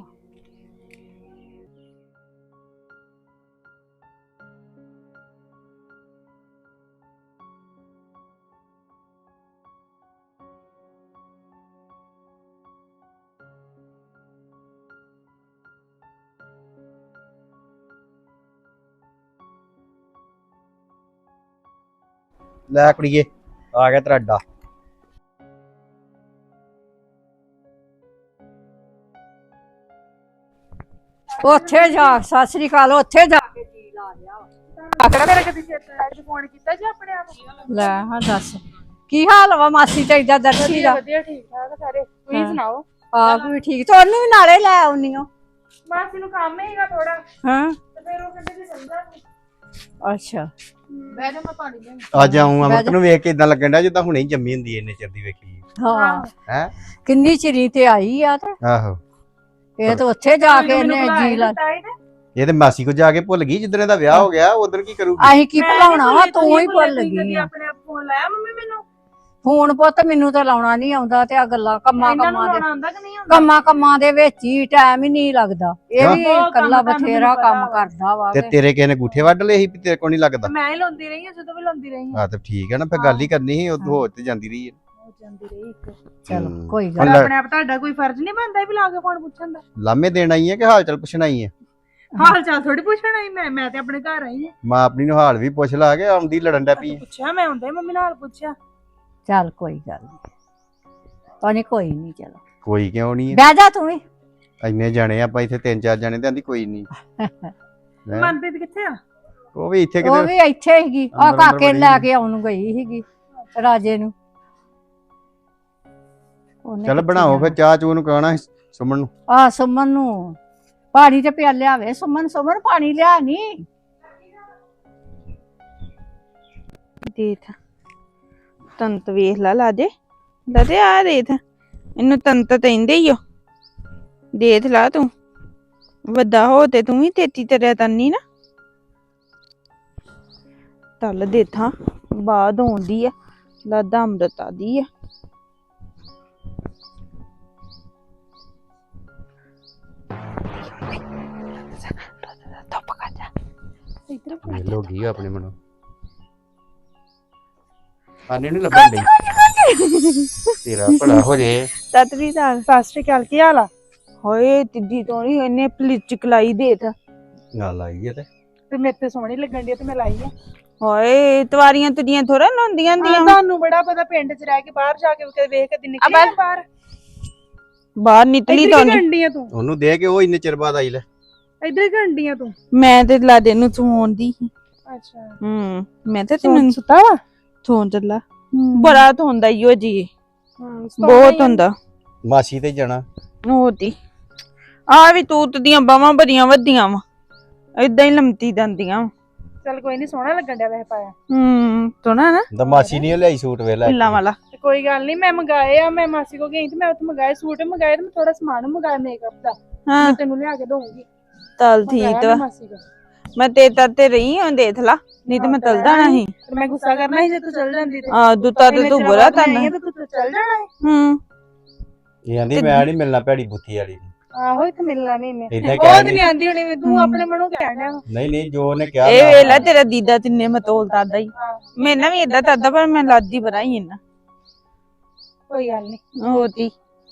Speaker 4: ਲੈ ਕੁੜੀਏ ਆ ਗਿਆ ਤੇਰਾ ਅੱਡਾ।
Speaker 2: ਉੱਥੇ ਜਾ ਸਤਿ ਸ੍ਰੀ ਅਕਾਲ ਉੱਥੇ ਜਾ ਕੇ ਜੀ ਲਾ ਲਿਆ
Speaker 3: ਆਖੜਾ ਮੇਰੇ ਕਦੀ ਅੱਜ ਫੋਨ ਕੀਤਾ ਜੀ ਆਪਣੇ ਆਪ
Speaker 2: ਲੈ ਹਾਂ ਦੱਸ ਕੀ ਹਾਲ ਵਾ ਮਾਸੀ ਤੇ ਇਦਾਂ ਦਰਸ਼ੀ ਦਾ
Speaker 3: ਵਧੀਆ ਠੀਕ ਠਾਕ ਸਾਰੇ ਤੁਸੀਂ
Speaker 2: ਹਾਂ।
Speaker 3: ਸੁਣਾਓ
Speaker 2: ਆਪ ਵੀ ਠੀਕ ਤੇ ਉਹਨੂੰ ਵੀ ਨਾਲੇ ਲੈ ਆਉਣੀ ਓ
Speaker 3: ਮਾਸੀ ਨੂੰ ਕੰਮ ਹੈਗਾ ਥੋੜਾ
Speaker 2: ਹਾਂ
Speaker 3: ਤੇ ਫਿਰ ਉਹ ਕਹਿੰਦੇ ਕਿ ਸਮਝਾ
Speaker 2: ਅੱਛਾ
Speaker 3: ਬਹਿ ਜਾ ਮੈਂ ਪਾਣੀ ਲੈ
Speaker 4: ਅੱਜ ਆਉਂ ਅਮਰਤ ਨੂੰ ਵੇਖ ਕੇ ਇਦਾਂ ਲੱਗਣ ਡਿਆ ਜਿੱਦਾਂ ਹੁਣੇ ਹੀ ਜੰਮੀ ਹੁੰਦੀ ਇੰਨੇ ਚਿਰ ਦੀ ਵੇਖੀ
Speaker 2: ਹਾਂ
Speaker 4: ਹੈ।
Speaker 2: ਕਿੰਨੀ ਚਿਰੀ ਤੇ ਆਈ ਆ ਤੇ
Speaker 4: ਆਹੋ
Speaker 2: ਇਹ ਤਾਂ ਉੱਥੇ ਜਾ ਕੇ ਇਹਨੇ ਜੀ ਲਾ
Speaker 4: ਇਹ ਤੇ ਮਾਸੀ ਕੋ ਜਾ ਕੇ ਭੁੱਲ ਗਈ ਜਿੱਦਣ ਦਾ ਵਿਆਹ ਹੋ ਗਿਆ ਉਦੋਂ ਕੀ ਕਰੂਗੀ।
Speaker 2: ਅਸੀਂ ਕੀ ਭੁਲਾਉਣਾ ਵਾ ਤੂੰ ਹੀ ਭੁੱਲ ਗਈ ਆ
Speaker 3: ਆਪਣੇ ਆਪ ਫੋਨ ਲਾਇਆ ਮੰਮੀ ਮੈਨੂੰ
Speaker 2: ਫੋਨ ਪੁੱਤ ਮੈਨੂੰ ਤਾਂ ਲਾਉਣਾ ਨਹੀਂ ਆਉਂਦਾ ਤੇ ਆ ਗੱਲਾਂ ਕੰਮਾਂ
Speaker 3: ਇਹਨਾਂ ਨੂੰ
Speaker 2: ਕੰਮਾਂ ਦੇ
Speaker 3: ਲਾਉਣਾ ਆਉਂਦਾ ਕਿ ਨਹੀਂ ਆਉਂਦਾ
Speaker 2: ਕੰਮਾਂ ਦੇ ਵਿੱਚ ਹੀ ਟਾਈਮ ਹੀ ਨਹੀਂ ਲੱਗਦਾ ਇਹ ਵੀ
Speaker 3: ਬਹੁਤ ਕੰਮ
Speaker 2: ਇਕੱਲਾ
Speaker 3: ਤੁਹਾਨੂੰ
Speaker 2: ਬਥੇਰਾ
Speaker 3: ਪਤਾ
Speaker 2: ਕੰਮ
Speaker 3: ਵਾ।
Speaker 2: ਕਰਦਾ ਵਾ
Speaker 4: ਤੇ ਤੇਰੇ ਕਿਸੇ ਨੇ ਗੂਠੇ ਵੱਢ ਲਏ ਸੀ ਵੀ ਤੇਰੇ ਕੋਲ ਨਹੀਂ ਲੱਗਦਾ।
Speaker 3: ਮੈਂ ਹੀ ਲਾਉਂਦੀ ਰਹੀ ਹਾਂ ਜਦੋਂ ਵੀ ਲਾਉਂਦੀ ਰਹੀ ਹਾਂ
Speaker 4: ਹਾਂ ਤੇ ਠੀਕ ਹੈ ਨਾ ਫਿਰ ਗੱਲ ਹੀ ਕਰਨੀ ਸੀ ਉਦੋਂ ਹੋ ਤੇ ਜਾਂਦੀ ਰਹੀ ਹੈ।
Speaker 3: ਹੋ ਜਾਂਦੀ ਰਹੀ ਇੱਕ
Speaker 2: ਚਲੋ ਕੋਈ
Speaker 3: ਪਰ
Speaker 2: ਗੱਲ
Speaker 4: ਹੁਣ
Speaker 3: ਆਪਣੇ ਆਪ ਤੁਹਾਡਾ ਕੋਈ ਫਰਜ਼ ਨਹੀਂ ਬਣਦਾ ਵੀ ਲਾ ਕੇ ਫੋਨ ਪੁੱਛਣ ਦਾ
Speaker 4: ਲਾਮੇ ਦੇਣ ਆਈ ਹੈ ਕਿ ਹਾਲ ਚਾਲ ਪੁੱਛਣ ਆਈ ਹੈ।
Speaker 3: ਹਾਲ ਚਾਲ ਥੋੜੀ ਪੁੱਛਣਾ ਹੀ ਮੈਂ ਤੇ ਆਪਣੇ ਘਰ ਆਈ ਹਾਂ
Speaker 4: ਮਾਂ ਆਪਣੀ ਨੂੰ ਹਾਲ ਵੀ ਪੁੱਛ ਲਾ ਕੇ ਆਉਂਦੀ ਲੜਨ ਡੈ ਪਈ ਹੈ।
Speaker 3: ਪੁੱਛਿਆ ਮੈਂ ਹੁੰਦੇ ਮੰਮੀ ਨਾਲ ਪੁੱਛਿਆ
Speaker 2: ਚੱਲ ਕੋਈ ਗੱਲ ਨਹੀਂ ਪਾਣੀ ਕੋਈ ਨਹੀਂ ਚਲੋ
Speaker 4: ਕੋਈ ਕਿਉਂ ਨਹੀਂ ਹੈ
Speaker 2: ਬਹਿ ਜਾ ਤੂੰ ਵੀ
Speaker 4: ਇੰਨੇ ਜਾਣੇ ਆਪਾਂ ਇੱਥੇ 3-4 ਜਾਣੇ ਤੇ ਆਂਦੀ ਕੋਈ ਨਹੀਂ। ਹੈਂ?
Speaker 3: ਮਨਪ੍ਰੀਤ ਕਿੱਥੇ ਆ
Speaker 4: ਉਹ ਵੀ ਇੱਥੇ
Speaker 2: ਉਹ
Speaker 4: ਕਿਤੇ
Speaker 2: ਵੀ ਇੱਥੇ ਹੀਗੀ ਆ
Speaker 4: ਅੰਦਰ
Speaker 2: ਕਾਕੇ ਨੂੰ
Speaker 4: ਬੜੀ
Speaker 2: ਲੈ ਕੇ ਆਉਣ ਨੂੰ ਗਈ ਹੀਗੀ ਰਾਜੇ ਨੂੰ ਉਹਨੇ
Speaker 4: ਚੱਲ
Speaker 2: ਕਿੱਥੇ
Speaker 4: ਬਣਾਓ ਫਿਰ
Speaker 2: ਜਾਣਾ?
Speaker 4: ਚਾਹ ਚੂ ਨੂੰ ਕਹਣਾ ਸੁਮਨ ਨੂੰ।
Speaker 2: ਆ ਸੁਮਨ ਨੂੰ ਪਾਣੀ ਤੇ ਪਿਆ ਲਿਆਵੇ ਸੁਮਨ ਪਾਣੀ ਲਿਆ ਨੀ
Speaker 3: ਦੇਖ ਤੰਤ ਵੇਖ ਲਾ ਦੇ ਆ ਦੇਖ ਇਹਨੂੰ ਤੰਤ ਕਹਿੰਦੇ ਹੀ ਓ ਦੇਖ ਲਾ ਤੂੰ ਵੱਡਾ ਹੋ ਤੇ ਤੂੰ ਵੀ ਤੇਤੀ ਤਰਿਆ ਤੰਨੀ ਨਾ ਤਲ ਦੇਥਾਂ ਬਾਦ ਆਉਂਦੀ ਆ ਲਾਦਾ ਅੰਮ੍ਰਿਤਾ ਦੀ ਆ ਇਧਰ
Speaker 4: ਇਹ ਲੋਗੀ ਆਪਣੇ ਮਨੋਂ ਆਨੇ ਨਹੀਂ ਲੱਭਣ ਡਈ ਤੇਰਾ ਭਲਾ ਹੋ ਜੇ।
Speaker 3: ਸਤਿ ਸ਼੍ਰੀ ਅਕਾਲ ਕੀ ਹਾਲ ਆ ਹੋਏ ਤਿੱਦੀ ਤੋਂ ਨਹੀਂ ਇਹਨੇ ਪਲਿਚਕ ਲਾਈ ਦੇਖ
Speaker 4: ਗੱਲ ਆਈ ਹੈ
Speaker 3: ਤੇ ਮੇਰੇ ਤੇ ਸੋਹਣੀ ਲੱਗਣ ਦੀ ਤੇ ਮੈਂ ਲਾਈ ਆ ਹੋਏ ਤਵਾਰੀਆਂ ਤੇਰੀਆਂ ਥੋੜਾ ਲਾਉਂਦੀਆਂ ਹੁੰਦੀਆਂ ਤੁਹਾਨੂੰ ਬੜਾ ਪਤਾ ਪਿੰਡ 'ਚ ਰਹਿ ਕੇ ਬਾਹਰ ਜਾ ਕੇ ਕਦੇ ਵੇਖ ਕੇ ਨਿਕਲੀ ਬਾਹਰ ਨਿਕਲੀ ਤਾਂ ਗੰਡੀਆਂ ਤੂੰ
Speaker 4: ਉਹਨੂੰ ਦੇ ਕੇ ਉਹ ਇੰਨੇ ਚਿਰ ਬਾਅਦ ਆਈ ਲੈ।
Speaker 3: ਇੱਧਰ ਗੰਡੀਆਂ ਤੂੰ ਮੈਂ ਤੇ ਲਾਦੇ ਨੂੰ ਸੌਂਦੀ ਅੱਛਾ ਮੈਂ ਤੇ ਤੈਨੂੰ ਸੁੱਤਾ ਵਾ ਸੌਂ ਚੱਲਾ ਬੜਾ ਧੋਂਦਾ ਈ ਉਹ ਜੀ ਬਹੁਤ ਹੁੰਦਾ
Speaker 4: ਮਾਸੀ ਤੇ ਜਾਣਾ
Speaker 3: ਹੋਤੀ ਆ ਵੀ ਤੂਤ ਦੀਆਂ ਬਾਵਾਂ ਬੜੀਆਂ ਵੱਡੀਆਂ ਵਾ ਏਦਾਂ ਹੀ ਲੰਮਤੀ ਜਾਂਦੀਆਂ ਚੱਲ ਕੋਈ ਨਹੀਂ ਸੋਹਣਾ ਲੱਗਣ ਡਿਆ ਵੈਸੇ ਪਾਇਆ ਸੋਹਣਾ ਨਾ
Speaker 4: ਤਾਂ ਮਾਸੀ ਨਹੀਂ ਲਿਆਈ ਸੂਟ ਵੇਲਾ
Speaker 3: ਪਿੱਲਾ ਵਾਲਾ ਕੋਈ ਗੱਲ ਨਹੀਂ ਮੈਂ ਮੰਗਾਏ ਆ ਮੈਂ ਮਾਸੀ ਕੋ ਗਈ ਤੇ ਮੈਂ ਉੱਥੇ ਮੰਗਾਏ ਸੂਟ ਮੰਗਾਏ ਤੇ ਮੈਂ ਥੋੜਾ ਸਮਾਨ ਮੰਗਾਇਆ ਮੇਕਅਪ ਦਾ ਮੈਂ ਤੈਨੂੰ ਲਿਆ ਕੇ ਦਊਂਗੀ ਚੱਲ ਠੀਕ ਵਾ ਮੈਂ ਤੇ ਰਹੀ ਹਾਂ ਦੇਖ ਲਾ ਨਹੀਂ ਤੇ ਮੈਂ ਚਲ ਜਾਣਾ ਸੀ ਮੈਂ ਗੁੱਸਾ ਕਰਨਾ ਸੀ ਜੇ ਤੂੰ ਚਲ ਜਾਂਦੀ ਤੇ ਦੁੱਤਾ ਤੇ ਤੂੰ ਬੁਰਾ ਕਰਨਾ ਤੂੰ ਚਲ ਜਾਣਾ
Speaker 4: ਇਹ ਆਂਦੀ ਮੈਂ ਨਹੀਂ ਮਿਲਣਾ ਭੈੜੀ ਬੁੱਥੀ ਵਾਲੀ
Speaker 3: ਆਹੋ ਇੱਥੇ ਮਿਲਣਾ ਨਹੀਂ ਮੈਂ
Speaker 4: ਇਦਾਂ
Speaker 3: ਉਹ ਨਹੀਂ ਆਂਦੀ ਹੁਣੀ ਤੂੰ ਆਪਣੇ ਮਨੋਂ ਕਹਿਣ ਡਿਆ
Speaker 4: ਨਹੀਂ ਜੋ ਉਹਨੇ ਕਿਹਾ
Speaker 3: ਇਹ ਵੇਲਾ ਤੇਰਾ ਦੀਦਾ ਤਿੰਨੇ ਮਤੋਲ ਦਾਦਾ ਹੀ ਮੈਂ ਨਾ ਵੀ ਇਦਾਂ ਦਾਦਾ ਪਰ ਮੈਂ ਲਾਦੀ ਬਣਾਈ ਇਹਨਾਂ ਕੋਈ ਗੱਲ ਨਹੀਂ ਹੋਤੀ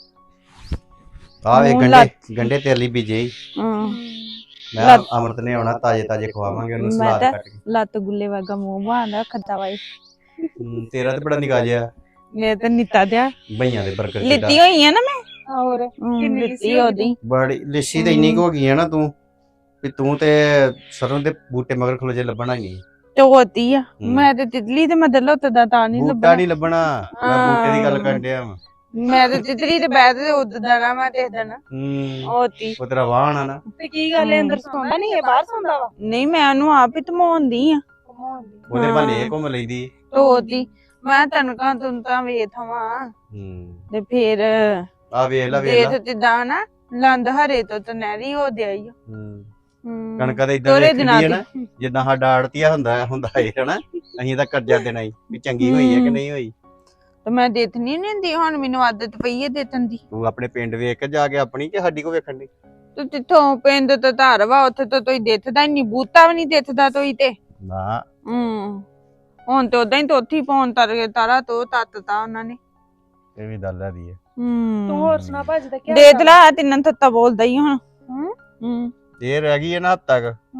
Speaker 4: ਆਵੇ ਗੰਡੇ ਤੇਰੇ ਲਈ ਬੀਜੇ ਮੈਂ ਅਮਰਤ ਨੇ ਆਉਣਾ ਤਾਜੇ ਖਵਾਵਾਂਗੇ ਉਹਨੂੰ ਸਲਾਦ ਕੱਟ ਕੇ
Speaker 3: ਲੱਤ ਗੁੱਲੇ ਵਰਗਾ ਮੂੰਹ ਬਾਂਦਾ ਖੱਤਾ ਵਾਈ
Speaker 4: ਤੇਰਾ ਤੇ ਬੜਾ ਨਿਕਾ ਜਿਆ
Speaker 3: ਮੈਂ ਤਾਂ ਨਿੱਤਾ ਦਿਆ
Speaker 4: ਬਈਆਂ ਦੇ ਬਰਗਰ
Speaker 3: ਲਿੱਤੀ ਹੋਈ ਆ ਨਾ ਮੈਂ ਹੋਰ ਕਿੰਨੀ ਲਿੱਤੀ ਉਹਦੀ
Speaker 4: ਬੜੀ ਲਿੱਸੀ ਤੇ ਇੰਨੀ ਕੁ ਹੋ ਗਈ ਹੈ ਨਾ ਤੂੰ ਵੀ ਤੂੰ ਤੇ ਸਰੋਂ ਦੇ ਬੂਟੇ ਮਗਰ ਖਲੋ ਜੇ ਲੱਭਣਾ ਹੀ ਨਹੀਂ
Speaker 3: ਤੇ ਹੋਤੀ ਆ ਮੈਂ ਤੇ ਤਿਤਲੀ ਤੇ ਮਦਲੋ ਤੇ ਦਾ ਤਾਂ ਨਹੀਂ
Speaker 4: ਬੂਟਾ
Speaker 3: ਲੱਭਣਾ
Speaker 4: ਨਹੀਂ ਲੱਭਣਾ ਮੈਂ ਬੂਟੇ ਦੀ ਗੱਲ ਕਰਨ ਡਿਆ ਵਾਂ
Speaker 3: ਮੈਂ ਤੇ ਤਿਤਲੀ ਤੇ ਬੈਠ ਤੇ ਉੱਦ ਦੇਣਾ ਮੈਂ ਦੇਖ ਦੇਣਾ ਹੋਤੀ
Speaker 4: ਉਹ ਤੇਰਾ ਵਾਹਣ ਆ ਨਾ
Speaker 3: ਤੇ ਕੀ ਗੱਲ ਹੈ ਅੰਦਰ ਸੌਂਦਾ ਨਹੀਂ ਹੈ ਬਾਹਰ ਸੌਂਦਾ ਵਾ ਨਹੀਂ ਮੈਂ ਉਹਨੂੰ ਆਪ ਹੀ ਧਮਾਉਂਦੀ ਆ
Speaker 4: ਉਹਦੇ ਭਾਲੇ ਘੁੰਮ ਲੈਂਦੀ
Speaker 3: ਹੋਤੀ ਮੈਂ ਤਨਕਾਂ ਤੁੰ ਤਾਂ ਵੇਖਾਂ ਤੇ ਫਿਰ
Speaker 4: ਆ ਵੇਖ ਲੈ
Speaker 3: ਦੇਖ ਜਿੱਦਾਂ ਨਾ ਲੰਦ ਹਰੇ ਤੋਂ ਤੇ ਨਹਿਰੀ ਹੋ ਦਿਆਈ
Speaker 4: ਕਣਕਾਂ ਦਾ ਇਦਾਂ ਦੇਖਦੀ ਹੈ ਨਾ ਜਿੱਦਾਂ ਸਾਡਾ ਆੜਤੀਆ ਹੁੰਦਾ ਏ ਹਨਾ ਅਸੀਂ ਤਾਂ ਕਰਜ਼ਾ ਦੇਣਾ ਹੀ ਵੀ ਚੰਗੀ ਹੋਈ ਹੈ ਕਿ ਨਹੀਂ ਹੋਈ
Speaker 3: ਤੇ ਮੈਂ ਦੇਖਣੀ ਨਹੀਂ ਹੁੰਦੀ ਹੁਣ ਮੈਨੂੰ ਆਦਤ ਪਈ ਹੈ ਦੇਖਣ ਦੀ
Speaker 4: ਤੂੰ ਆਪਣੇ ਪਿੰਡ ਵੇਖ ਕੇ ਜਾ ਕੇ ਆਪਣੀ ਕਿ ਸਾਡੀ ਕੋ ਵੇਖਣ ਦੀ
Speaker 3: ਤੂੰ ਜਿੱਥੋਂ ਪਿੰਡ ਤੋਂ ਧਾਰ ਵਾ ਉੱਥੇ ਤੋਂ ਕੋਈ ਦੇਖਦਾ ਹੀ ਨਹੀਂ ਬੂਤਾ ਵੀ ਨਹੀਂ ਦੇਖਦਾ ਤੋਈ ਤੇ
Speaker 4: ਨਾ
Speaker 3: ਹੁਣ ਤੇ ਉਦਾਂ ਹੀ ਤੋਥੀ ਪਾਉਣ ਤਾਰਾ ਤੋਂ ਤੱਤਤਾ ਉਹਨਾਂ ਨੇ
Speaker 4: ਇਹ ਵੀ ਗੱਲ ਹੈ ਦੀ ਹੈ
Speaker 3: ਤੂੰ ਹੋਰ ਸੁਣਾ ਭੱਜ ਦਾ ਕੀ ਦੇਖ ਲੈ ਤਿੰਨਾਂ ਥੱਤਾ ਬੋਲਦਾ ਹੀ ਹੁਣ
Speaker 4: ਇਹ ਰਹਿ ਗਈ ਹੈ ਨਾ ਹੱਦ ਤੱਕ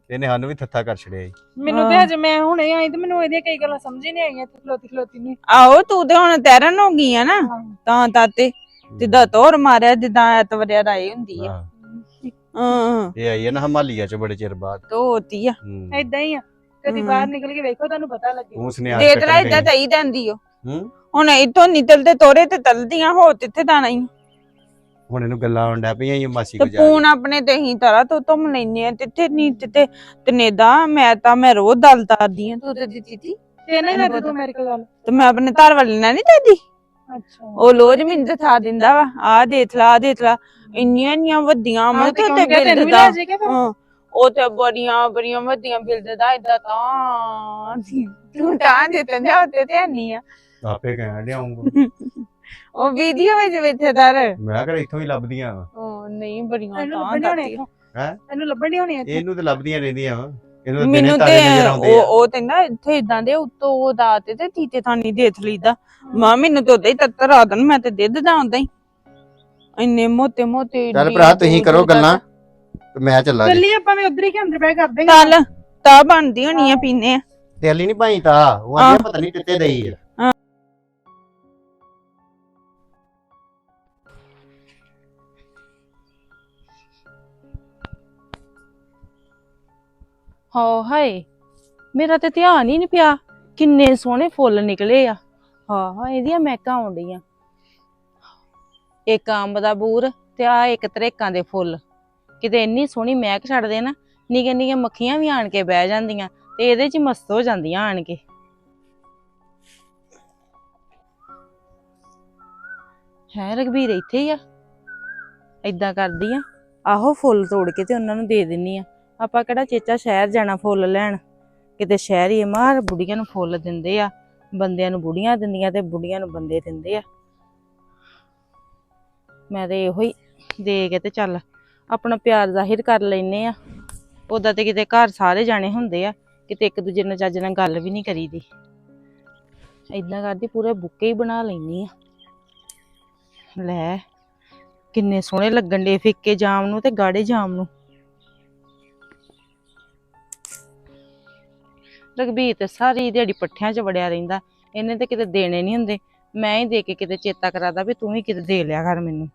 Speaker 4: ਇਹਨੇ ਸਾਨੂੰ ਵੀ ਥੱਥਾ ਕਰ ਛੜਿਆ ਈ।
Speaker 1: ਮੈਨੂੰ ਤੇ ਹਜੇ ਮੈਂ ਹੁਣੇ ਆਈ ਤੇ ਮੈਨੂੰ ਇਹਦੀਆਂ ਕਈ ਗੱਲਾਂ ਸਮਝ ਹੀ ਨਹੀਂ ਆਈਆਂ ਤੇ ਖਲੋਤੀ ਨੂੰ
Speaker 3: ਆਹੋ ਤੂੰ ਤੇ ਹੁਣ ਤੈਰਨ ਹੋ ਗਈ ਆ ਨਾ ਤਾਂ ਤਾਤੇ ਜਿੱਦਾਂ ਤੋਰ ਮਾਰਿਆ ਜਿੱਦਾਂ ਐਤਵਰਿਆ ਰਾਈ ਹੁੰਦੀ ਆ।
Speaker 4: ਹਾਂ,
Speaker 3: ਹਾਂ
Speaker 4: ਇਹ ਆਈ ਹੈ ਨਾ ਹਮਾਲੀਆ ਚ ਬੜੇ ਚਿਰ ਬਾਅਦ।
Speaker 3: ਤੋਤੀ ਆ
Speaker 1: ਏਦਾਂ ਹੀ ਆ ਕਦੀ ਬਾਹਰ ਨਿਕਲ ਕੇ ਵੇਖੋ ਤੁਹਾਨੂੰ ਪਤਾ ਲੱਗੇ
Speaker 4: ਤੂੰ ਸੁਨੇਹਾ
Speaker 3: ਦੇ ਤਰਾ ਇਦਾਂ ਚਾਹੀ ਜਾਂਦੀ ਓ
Speaker 4: ਹੂੰ
Speaker 3: ਹੁਣ ਇੱਥੋਂ ਨਿਕਲਦੇ ਤੋਰੇ ਤੇ ਤਲਦੀਆਂ ਹੋ ਤਿੱਥੇ ਦਾਣਾ ਹੀ
Speaker 4: ਹੁਣ ਇਹਨੂੰ ਗੱਲਾਂ ਆਉਂਦਾ ਪਈਆਂ ਈ ਮਾਸੀ
Speaker 3: ਤੇ
Speaker 4: ਕੋ ਜਾ
Speaker 3: ਫੋਨ ਆਪਣੇ ਤੇ ਹੀ ਤਰਾ ਤੋਂ ਤੁਮ ਲੈਨੇ ਆ ਤਿੱਥੇ ਨਹੀਂ ਤਿੱਥੇ ਤਨੇਦਾ ਮੈਂ ਰੋਜ਼ ਦਲ ਤਾਰਦੀ ਆ ਤੂੰ ਤੇ ਦਿੱਤੀ ਤੀ
Speaker 1: ਤੇ ਨਾ ਕਰ ਤੂੰ ਮੇਰੇ ਕੋਲ ਗੱਲ
Speaker 3: ਤੇ ਮੈਂ ਆਪਣੇ ਘਰ ਵਾਲੇ ਨਾਲ ਨਹੀਂ ਦੱਦੀ
Speaker 1: ਅੱਛਾ
Speaker 3: ਉਹ ਲੋਜ ਮੈਨੂੰ ਦਿਖਾ ਦਿੰਦਾ ਵਾ ਆ ਦੇਖ ਲਾ ਇੰਨੀਆਂ ਵੱਡੀਆਂ ਮੈਂ ਤੇ ਬਿੱਲ ਦਾ ਹਾਂ ਉਹ ਤੇ ਬੜੀਆਂ ਵੱਡੀਆਂ ਬਿੱਲ ਦਾ ਇਦਾਂ ਤਾਂ ਤੂੰ ਤਾਂ ਦੇ ਤੇ ਜਾ ਤੇ ਨਹੀਂ ਆ
Speaker 4: ਆਪੇ ਕਹਿਣ ਲਿਆਉਂਗਾ
Speaker 3: ਉਹ ਵੀਡੀਓ ਵਿੱਚ ਦਰ
Speaker 4: ਮੈਂ ਕਿਹਾ ਇੱਥੋਂ ਹੀ ਲੱਭਦੀਆਂ ਵਾ।
Speaker 3: ਉਹ ਨਹੀਂ ਬੜੀਆਂ
Speaker 1: ਇਹਨੂੰ
Speaker 3: ਤਾਂ
Speaker 1: ਲੱਭਣ ਨਹੀਂ
Speaker 3: ਦਾਤੀ
Speaker 4: ਹੈਂ?
Speaker 1: ਇਹਨੂੰ ਲੱਭਣ ਨਹੀਂ ਹੋਣੀ ਇੱਥੇ
Speaker 4: ਇਹਨੂੰ ਤੇ ਲੱਭਦੀਆਂ ਰਹਿੰਦੀਆਂ ਵਾ। ਇਹਨੂੰ ਤਾਂ ਦਿਨੇ
Speaker 3: ਮੈਨੂੰ
Speaker 4: ਤਾਰੇ
Speaker 3: ਤੇ
Speaker 4: ਨਜ਼ਰ ਆਉਂਦੇ ਆ।
Speaker 3: ਉਹ ਤੇ ਨਾ ਇੱਥੇ ਇਦਾਂ ਦੇ ਉੱਤੋਂ ਉਹ ਦਾਤੇ ਤੇ ਤੀਤੇ ਥਾਨੀ ਦੇਖ ਲਈਦਾ ਮਾਂ ਮੈਨੂੰ ਤੇ ਉਦਾਂ ਹੀ ਤੱਤਰ ਆ ਦਨ ਮੈਂ ਤੇ ਦਿੱਦ ਦਾ ਆਉਂਦਾ ਹੀ ਇੰਨੇ ਮੋਟੇ
Speaker 4: ਚੱਲ ਭਰਾ ਤੁਸੀਂ ਕਰੋ ਗੱਲਾਂ ਤੇ ਮੈਂ ਚੱਲਾਂ ਜੀ।
Speaker 1: ਚੱਲੀ ਆਪਾਂ ਵੀ ਉਧਰ ਹੀ ਕਿ ਅੰਦਰ ਬੈ ਕਰਦੇ ਹਾਂ
Speaker 3: ਚੱਲ ਤਾਂ ਬਣਦੀ ਹੋਣੀ ਆ ਪੀਨੇ ਆ
Speaker 4: ਤੇਲੀ ਨਹੀਂ ਭਾਈ ਤਾਂ ਉਹ ਆਂਦੀ ਪਤਾ ਨਹੀਂ ਕਿੱਥੇ ਗਈ ਆ।
Speaker 6: ਹਾਏ ਮੇਰਾ ਤੇ ਧਿਆਨ ਹੀ ਨਹੀਂ ਪਿਆ ਕਿੰਨੇ ਸੋਹਣੇ ਫੁੱਲ ਨਿਕਲੇ ਆ ਹਾਂ ਇਹਦੀਆਂ ਮਹਿਕਾਂ ਆਉਂਦੀਆਂ ਇੱਕ ਅੰਬ ਦਾ ਬੂਰ ਤੇ ਆ ਇੱਕ ਤਰੇਕਾਂ ਦੇ ਫੁੱਲ ਕਿਤੇ ਇੰਨੀ ਸੋਹਣੀ ਮਹਿਕ ਛੱਡਦੇ ਨਾ ਨਿੱਕੀਆਂ ਨਿੱਕੀਆਂ ਮੱਖੀਆਂ ਵੀ ਆਣ ਕੇ ਬਹਿ ਜਾਂਦੀਆਂ ਤੇ ਇਹਦੇ 'ਚ ਹੀ ਮਸਤ ਹੋ ਜਾਂਦੀਆਂ ਆਣ ਕੇ ਹੈ ਰਘਬੀਰ ਇੱਥੇ ਹੀ ਆ ਏਦਾਂ ਕਰਦੀ ਆ ਆਹੋ ਫੁੱਲ ਤੋੜ ਕੇ ਤੇ ਉਹਨਾਂ ਨੂੰ ਦੇ ਦਿੰਨੀ ਆ ਆਪਾਂ ਕਿਹੜਾ ਚੇਚਾ ਸ਼ਹਿਰ ਜਾਣਾ ਫੁੱਲ ਲੈਣ ਕਿਤੇ ਸ਼ਹਿਰ ਹੀ ਮਾਰ ਬੁੜੀਆਂ ਨੂੰ ਫੁੱਲ ਦਿੰਦੇ ਆ ਬੰਦਿਆਂ ਨੂੰ ਬੁੜੀਆਂ ਦਿੰਦੀਆਂ ਤੇ ਬੁੜੀਆਂ ਨੂੰ ਬੰਦੇ ਦਿੰਦੇ ਆ ਮੈਂ ਤੇ ਇਹੋ ਹੀ ਦੇ ਕੇ ਤੇ ਚੱਲ ਆਪਣਾ ਪਿਆਰ ਜ਼ਾਹਿਰ ਕਰ ਲੈਨੇ ਆ ਉਦਾਂ ਤੇ ਕਿਤੇ ਘਰ ਸਾਰੇ ਜਾਣੇ ਹੁੰਦੇ ਆ ਕਿਤੇ ਇੱਕ ਦੂਜੇ ਨਾਲ ਚੱਜ ਨਾਲ ਗੱਲ ਵੀ ਨਹੀਂ ਕਰੀਦੀ ਏਦਾਂ ਕਰਦੀ ਪੂਰੇ ਬੁੱਕੇ ਹੀ ਬਣਾ ਲੈਨੀ ਆ ਲੈ ਕਿੰਨੇ ਸੋਹਣੇ ਲੱਗਣ ਦੇ ਫਿੱਕੇ ਜਾਮ ਨੂੰ ਤੇ ਗਾੜੇ ਜਾਮ ਨੂੰ ਰਘਬੀਰ ਤੇ ਸਾਰੀ ਦਿਹਾੜੀ ਪੱਠਿਆਂ 'ਚ ਵੜਿਆ ਰਹਿੰਦਾ ਇਹਨੇ ਤੇ ਕਿਤੇ ਦੇਣੇ ਨਹੀਂ ਹੁੰਦੇ ਮੈਂ ਹੀ ਦੇ ਕੇ ਕਿਤੇ ਚੇਤਾ ਕਰਾਦਾ ਵੀ ਤੂੰ ਵੀ ਕਿਤੇ ਦੇ ਲਿਆ ਕਰ ਮੈਨੂੰ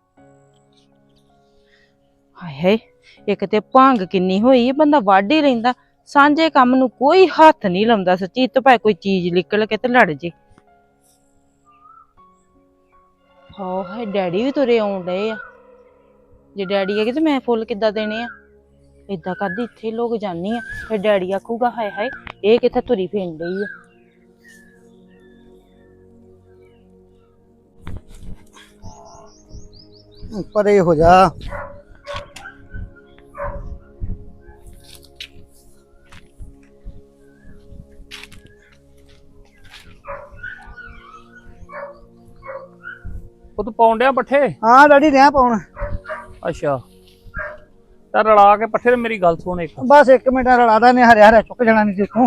Speaker 6: ਹਾਏ ਹਾਏ ਇੱਕ ਤੇ ਭੰਗ ਕਿੰਨੀ ਹੋਈ ਬੰਦਾ ਵੱਢ ਹੀ ਰਹਿੰਦਾ ਸਾਂਝੇ ਕੰਮ ਨੂੰ ਕੋਈ ਹੱਥ ਨਹੀਂ ਲਾਉਂਦਾ ਸੱਚੀ ਤੋਂ ਭਾਵੇਂ ਕੋਈ ਚੀਜ਼ ਨਿਕਲ ਕੇ ਤੇ ਲੜ ਜੇ ਹਾਏ ਡੈਡੀ ਵੀ ਤੁਰੇ ਆਉਣ ਡਏ ਆ ਜੇ ਡੈਡੀ ਹੈਗੇ ਤੇ ਮੈਂ ਫੁੱਲ ਕਿੱਦਾਂ ਦੇਣੇ ਆ ਏਦਾਂ ਕਰਦੀ ਇੱਥੇ ਲੋਕ ਜਾਨੀ ਆ ਫਿਰ ਡੈਡੀ ਆਖੂਗਾ ਹਾਏ ਹਾਏ ਇਹ ਕਿੱਥੇ ਤੁਰੀ ਫਿਰਨ ਡਈ ਆ
Speaker 7: ਪਰੇ ਹੋ ਜਾ
Speaker 5: ਉਹ ਤੂੰ ਪਾਉਣ ਡਿਆ ਪੱਠੇ
Speaker 7: ਹਾਂ ਡੈਡੀ ਰਿਆਂ ਪਾਉਣ
Speaker 5: ਅੱਛਾ ਤਾਂ ਰਲਾ ਕੇ ਪੱਠੇ ਤੇ ਮੇਰੀ ਗੱਲ ਸੁਣ ਇੱਕ
Speaker 7: ਬਸ 1 ਮਿੰਟ ਰਲਾਦਾ ਨੇ ਹਰਿਆ ਹਰਿਆ ਚੁੱਕ ਜਾਣਾ ਨਹੀਂ ਦੇਖੋ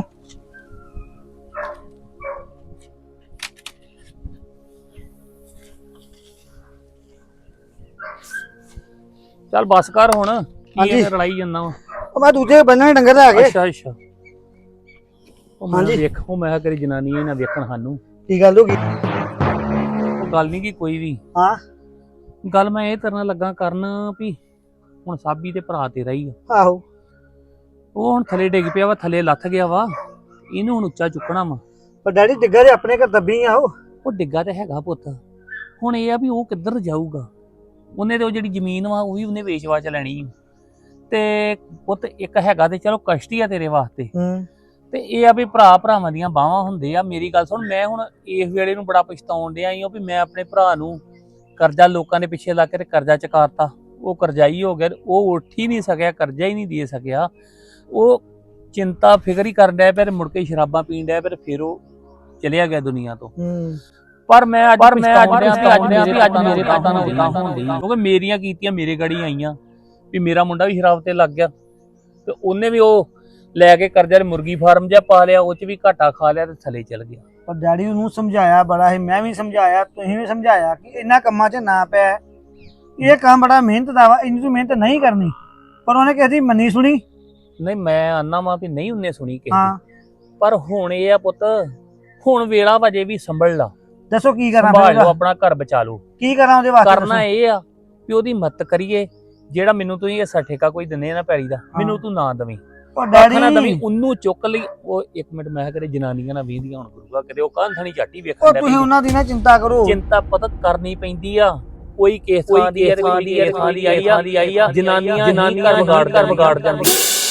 Speaker 5: ਚੱਲ ਬਸ ਕਰ ਹੁਣ ਕੀ
Speaker 7: ਹਾਂਜੀ।
Speaker 5: ਇਹ ਰਲਾਈ ਜਾਂਦਾ ਵਾ
Speaker 7: ਉਹ ਮੈਂ ਦੂਜੇ ਬੰਨਣੇ ਡੰਗਰ ਲੈ ਗਏ
Speaker 5: ਅੱਛਾ ਅੱਛਾ ਉਹ ਮੈਂ
Speaker 7: ਹਾਂਜੀ।
Speaker 5: ਵੇਖੋ ਮੈਂ ਕਿਹਾ ਕਰੀ ਜਨਾਨੀ ਇਹ ਨਾ ਵੇਖਣ ਸਾਨੂੰ
Speaker 7: ਕੀ ਗੱਲ ਹੋ ਗਈ
Speaker 5: ਉਹ ਗੱਲ ਨਹੀਂ ਕੀ ਕੋਈ ਵੀ
Speaker 7: ਹਾਂ
Speaker 5: ਗੱਲ ਮੈਂ ਇਹ ਤਰ੍ਹਾਂ ਲੱਗਾ ਕਰਨ ਵੀ ਹੁਣ ਸਾਬੀ ਤੇ ਭਰਾ ਤੇਰਾ ਹੀ ਆ
Speaker 7: ਆਹੋ
Speaker 5: ਉਹ ਹੁਣ ਥੱਲੇ ਡਿੱਗ ਪਿਆ ਵਾ ਥੱਲੇ ਲੱਥ ਗਿਆ ਵਾ ਇਹਨੂੰ ਹੁਣ ਉੱਚਾ ਚੁੱਕਣਾ ਵਾ
Speaker 7: ਪਰ ਡੈਡੀ ਡਿੱਗਾ ਦੇ ਆਪਣੇ ਘਰ ਦੱਬੀ ਆ
Speaker 5: ਉਹ ਡਿੱਗਾ ਤੇ ਹੈਗਾ ਪੁੱਤ ਹੁਣ ਇਹ ਆ ਵੀ ਉਹ ਕਿੱਧਰ ਜਾਊਗਾ ਉਹਨੇ ਤੇ ਉਹ ਜਿਹੜੀ ਜ਼ਮੀਨ ਵਾ ਉਹ ਵੀ ਉਹਨੇ ਵੇਚ-ਵਾਚ ਲੈਣੀ ਆ। ਤੇ ਪੁੱਤ ਇੱਕ ਹੈਗਾ ਤੇ ਚਲੋ ਕਸ਼ਤੀ ਆ ਤੇਰੇ ਵਾਸਤੇ ਤੇ ਇਹ ਆ ਵੀ ਭਰਾ ਭਰਾਵਾਂ ਦੀਆਂ ਬਾਹਾਂ ਹੁੰਦੇ ਆ ਮੇਰੀ ਗੱਲ ਸੁਣ ਮੈਂ ਹੁਣ ਇਸ ਵੇਲੇ ਨੂੰ ਬੜਾ ਪਛਤਾਉਣ ਡਿਆ ਈ ਵੀ ਮੈਂ ਆਪਣੇ ਭਰਾ ਨੂੰ ਕਰਜ਼ਾ ਲੋਕਾਂ ਦੇ ਪਿੱਛੇ ਲਾ ਕੇ ਤੇ ਕਰਜ਼ਾ ਚੁਕਾਤਾ ਉਹ ਕਰਜ਼ਾਈ ਹੋ ਗਿਆ ਉਹ ਉੱਠ ਹੀ ਨਹੀਂ ਸਕਿਆ ਕਰਜ਼ਾ ਹੀ ਨਹੀਂ ਦੇ ਸਕਿਆ ਉਹ ਚਿੰਤਾ ਫਿਕਰ ਹੀ ਕਰਨ ਡਿਆ ਪਿਆ ਮੁੜ ਕੇ ਸ਼ਰਾਬਾਂ ਪੀਣ ਡਿਆ ਪਿਆ ਫਿਰ ਉਹ ਚਲਿਆ ਗਿਆ ਦੁਨੀਆ ਤੋਂ ਪਰ ਮੈਂ ਅੱਜ ਅੱਜ ਮੇਰੇ ਪਾਪਾ ਨਾਲ ਉਦਾਂ ਹੁੰਦੀ ਕਿਉਂਕਿ ਮੇਰੀਆਂ ਕੀਤੀਆਂ ਮੇਰੇ ਗੜੀ ਆਈਆਂ ਵੀ ਮੇਰਾ ਮੁੰਡਾ ਵੀ ਸ਼ਰਾਬ ਤੇ ਲੱਗ ਗਿਆ ਤੇ ਉਹਨੇ ਵੀ ਉਹ ਲੈ ਕੇ ਕਰਜ਼ਾ ਮੁਰਗੀ ਫਾਰਮ ਜਿਹਾ ਪਾ ਲਿਆ ਉਹ ਚ ਵੀ ਘਾਟਾ ਖਾ ਲਿਆ ਤੇ ਥੱਲੇ ਚਲ ਗਿਆ
Speaker 7: ਪਰ ਡੈਡੀ ਨੂੰ ਸਮਝਾਇਆ ਬੜਾ ਹੈ ਮੈਂ ਵੀ ਸਮਝਾਇਆ ਤੁਸੀਂ ਵੀ ਸਮਝਾਇਆ ਕਿ ਇਹਨਾਂ ਕੰਮਾਂ 'ਚ ਨਾ ਪੈ ਇਹ ਕੰਮ ਬੜਾ ਮਿਹਨਤ ਦਾ ਵਾ ਇੰਨੀ ਤੂੰ ਮਿਹਨਤ ਨਹੀਂ ਕਰਨੀ ਪਰ ਉਹਨੇ ਕਿਸੇ ਦੀ ਮੰਨੀ ਸੁਣੀ
Speaker 5: ਨਹੀਂ ਮੈਂ ਆਨਾ ਵਾਂ ਵੀ ਨਹੀਂ ਉਹਨੇ ਸੁਣੀ ਕਿਸੇ
Speaker 7: ਹਾਂ
Speaker 5: ਦੀ। ਪਰ ਹੁਣ ਇਹ ਆ ਪੁੱਤ, ਹੁਣ ਵੇਲਾ ਵਜੇ ਵੀ ਸੰਭਲ ਲਾ,
Speaker 7: ਦੱਸੋ ਕੀ ਕਰਾਂ
Speaker 5: ਸੰਭਾਲ
Speaker 7: ਫਿਰ
Speaker 5: ਲਓ,
Speaker 7: ਉਹਦਾ?
Speaker 5: ਆਪਣਾ ਘਰ ਬਚਾ ਲਓ।
Speaker 7: ਕੀ ਕਰਾਂ ਉਹਦੇ ਵਾਸਤੇ
Speaker 5: ਕਰਨਾ ਇਹ ਆ ਵੀ ਉਹਦੀ ਮਦਦ ਕਰੀਏ। ਜਿਹੜਾ ਮੈਨੂੰ ਤੁਸੀਂ ਇਹ ਠੇਕਾ ਕੋਈ ਦਿੰਦੇ ਆ ਨਾ ਪੈਲੀ ਦਾ, ਮੈਨੂੰ ਤੂੰ ਨਾ ਦਵੀਂ,
Speaker 7: ਉਹ
Speaker 5: ਆਖਣਾ ਦਵੀਂ,
Speaker 7: ਡੈਡੀ
Speaker 5: ਉਹਨੂੰ ਚੁੱਕ ਲਈ। ਉਹ ਇੱਕ ਮਿੰਟ, ਮੈਂ ਕਰੇ ਜਨਾਨੀਆਂ ਨਾ ਵੀਂਦੀਆਂ ਹੁਣ ਗੁਰੂਆ, ਕਦੇ ਉਹ ਕਾਂਥਣੀ ਝਾਟੀ
Speaker 7: ਉਹ
Speaker 5: ਵੇਖਣ ਦਾ
Speaker 7: ਤੁਸੀਂ ਉਹਨਾਂ ਦੀ ਨਾ ਚਿੰਤਾ ਕਰੋ।
Speaker 5: ਚਿੰਤਾ ਪਤਾ ਕਰਨੀ ਪੈਂਦੀ ਆ। ਕੋਈ ਕਿਸ ਥਾਂ ਦੀ ਹੈ, ਕੋਈ ਥਾਂ ਦੀ ਆਈ ਆ, ਜਨਾਨੀਆਂ ਘਰ ਵਿਗਾੜ ਜਾਂਦੀ।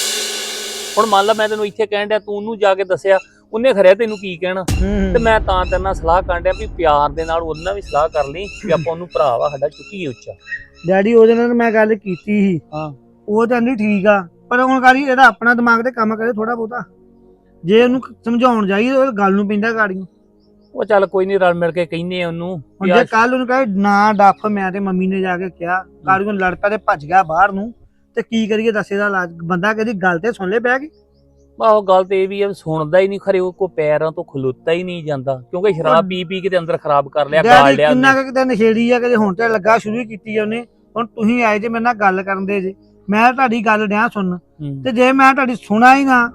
Speaker 5: ਹੁਣ ਮੰਨ ਲਾ ਮੈਂ ਤੈਨੂੰ ਇੱਥੇ ਕਹਿਣ ਡਿਆ, ਤੂੰ ਉਹਨੂੰ ਜਾ ਕੇ ਦੱਸਿਆ, ਉਹਨੇ ਖਰਿਆ ਤੈਨੂੰ ਕੀ ਕਹਿਣਾ। ਤੇ ਮੈਂ ਤਾਂ ਤੇਰੇ ਨਾਲ ਸਲਾਹ ਕਰਨ ਡਿਆ ਵੀ ਪਿਆਰ ਦੇ ਨਾਲ ਉਹਨਾਂ ਵੀ ਸਲਾਹ ਕਰ ਲਈ ਵੀ ਆਪਾਂ ਉਹਨੂੰ ਭਰਾ ਵਾ ਸਾਡਾ ਚੁੱਕੀਏ ਉੱਚਾ।
Speaker 7: ਡੈਡੀ ਉਹਦੇ ਨਾਲ ਮੈਂ ਗੱਲ ਕੀਤੀ ਸੀ,
Speaker 5: ਹਾਂ।
Speaker 7: ਉਹ ਕਹਿੰਦੀ ਠੀਕ ਆ, ਪਰ ਹੁਣ ਗਾੜੀ ਇਹਦਾ ਆਪਣਾ ਦਿਮਾਗ ਤੇ ਕੰਮ ਕਰੇ ਥੋੜਾ ਬਹੁਤਾ। ਜੇ ਉਹਨੂੰ ਸਮਝਾਉਣ ਜਾਈਏ ਉਹ ਗੱਲ ਨੂੰ ਪੈਂਦਾ ਗਾੜੀ।
Speaker 5: ਉਹ ਚੱਲ ਕੋਈ ਨਹੀਂ, ਰਲ ਮਿਲ ਕੇ ਕਹਿੰਦੇ ਆ ਉਹਨੂੰ
Speaker 7: ਹੁਣ ਜੇ ਕੱਲ ਉਹਨੂੰ ਕਹੇ ਨਾ ਡੱਫ, ਮੈਂ ਤੇ ਮੰਮੀ ਨੇ ਜਾ ਕੇ ਕਿਹਾ, ਗਾੜੀ ਨੂੰ ਲੜ ਪਿਆ ਤੇ ਭੱਜ ਗਿਆ ਬਾਹਰ ਨੂੰ, ਤੇ ਕੀ ਕਰੀਏ ਦੱਸੇ ਦਾ ਇਲਾਜ। ਬੰਦਾ ਕਦੀ ਗੱਲ ਤੇ ਸੁਣ ਲੈ ਬਹਿ ਕੇ।
Speaker 5: ਆਹੋ ਗੱਲ ਤੇ ਇਹ ਵੀ ਆ, ਸੁਣਦਾ ਹੀ ਨਹੀਂ, ਖਰੇ ਉਹ ਕੋ ਪੈਰਾਂ ਤੋਂ ਖਲੋਤਾ ਹੀ ਨਹੀਂ ਜਾਂਦਾ, ਕਿਉਂਕਿ ਸ਼ਰਾਬ ਪੀ ਪੀ ਕੇ ਤੇ ਅੰਦਰ ਖਰਾਬ ਕਰ ਲਿਆ, ਗਾਲ
Speaker 7: ਡੈਡੀ
Speaker 5: ਲਿਆ
Speaker 7: ਕਿੰਨਾ
Speaker 5: ਉਹਨੇ।
Speaker 7: ਕੁ ਕਿਤੇ ਨਸ਼ੇੜੀ ਆ, ਕਦੇ ਹੁਣ ਤੇ ਲੱਗਾ ਸ਼ੁਰੂ ਹੀ ਕੀਤੀ ਆ ਉਹਨੇ। ਹੁਣ ਤੁਸੀਂ ਆਏ ਜੇ ਮੇਰੇ ਨਾਲ ਗੱਲ ਕਰਨ ਦੇ ਜੇ, ਮੈਂ ਤੁਹਾਡੀ ਗੱਲ ਡਿਆ ਸੁਣਨ, ਤੇ ਜੇ ਮੈਂ ਤੁਹਾਡੀ ਸੁਣਾ ਹੀ ਨਾ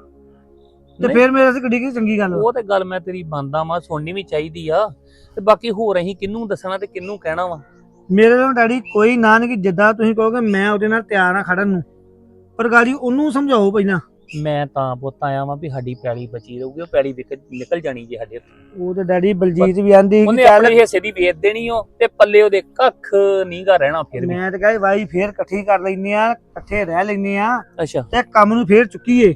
Speaker 7: ਤੇ
Speaker 5: ਨਹੀਂ।
Speaker 7: ਫਿਰ ਮੇਰੇ ਤੇ ਕਿੱਡੀ ਕੀ ਚੰਗੀ ਗੱਲ ਵਾ।
Speaker 5: ਉਹ ਤੇ ਗੱਲ ਮੈਂ ਤੇਰੀ ਮੰਨਦਾ ਵਾਂ, ਸੁਣਨੀ ਵੀ ਚਾਹੀਦੀ ਆ। ਤੇ ਬਾਕੀ ਹੋਰ ਅਸੀਂ ਕਿਹਨੂੰ ਦੱਸਣਾ ਤੇ ਕਿਹਨੂੰ ਕਹਿਣਾ ਵਾ।
Speaker 7: ਮੇਰੇ ਨਾਲ ਡੈਡੀ ਕੋਈ ਨਾ ਨਹੀਂ, ਕਿ ਜਿੱਦਾਂ ਤੁਸੀਂ ਕਹੋਗੇ ਮੈਂ ਉਹਦੇ ਨਾਲ ਤਿਆਰ ਆ ਖੜਨ ਨੂੰ, ਪਰ ਗਾੜੀ ਉਹਨੂੰ ਸਮਝਾਓ ਪਹਿਲਾਂ।
Speaker 5: ਮੈਂ ਤਾਂ ਪੁੱਤ ਆਇਆ ਵਾਂ ਵੀ ਸਾਡੀ ਪੈਲੀ ਬਚੀ ਰਹੂਗੀ, ਉਹ ਪੈਲੀ ਨਿਕਲ ਜਾਣੀ ਜੇ ਸਾਡੇ ਹੱਥੋਂ।
Speaker 7: ਉਹ ਤੇ ਡੈਡੀ ਬਲਜੀਤ ਵੀ ਆਂਦੀ
Speaker 5: ਉਹਨੇ
Speaker 7: ਕਿ ਚੱਲ,
Speaker 5: ਆਪਣੇ ਹਿੱਸੇ ਦੀ ਵੇਚ ਦੇਣੀ ਉਹ, ਤੇ ਪੱਲੇ ਉਹਦੇ ਕੱਖ ਨਹੀਂਗਾ ਰਹਿਣਾ ਫਿਰ ਵੀ।
Speaker 7: ਮੈਂ ਤਾਂ ਕਹੇ ਵਾਈ ਫੇਰ ਇਕੱਠੀ ਕਰ ਲੈਨੇ ਆ, ਇਕੱਠੇ ਰਹਿ ਲੈਨੇ ਆ,
Speaker 5: ਅੱਛਾ
Speaker 7: ਤੇ ਕੰਮ ਨੂੰ ਫੇਰ ਚੁੱਕੀਏ।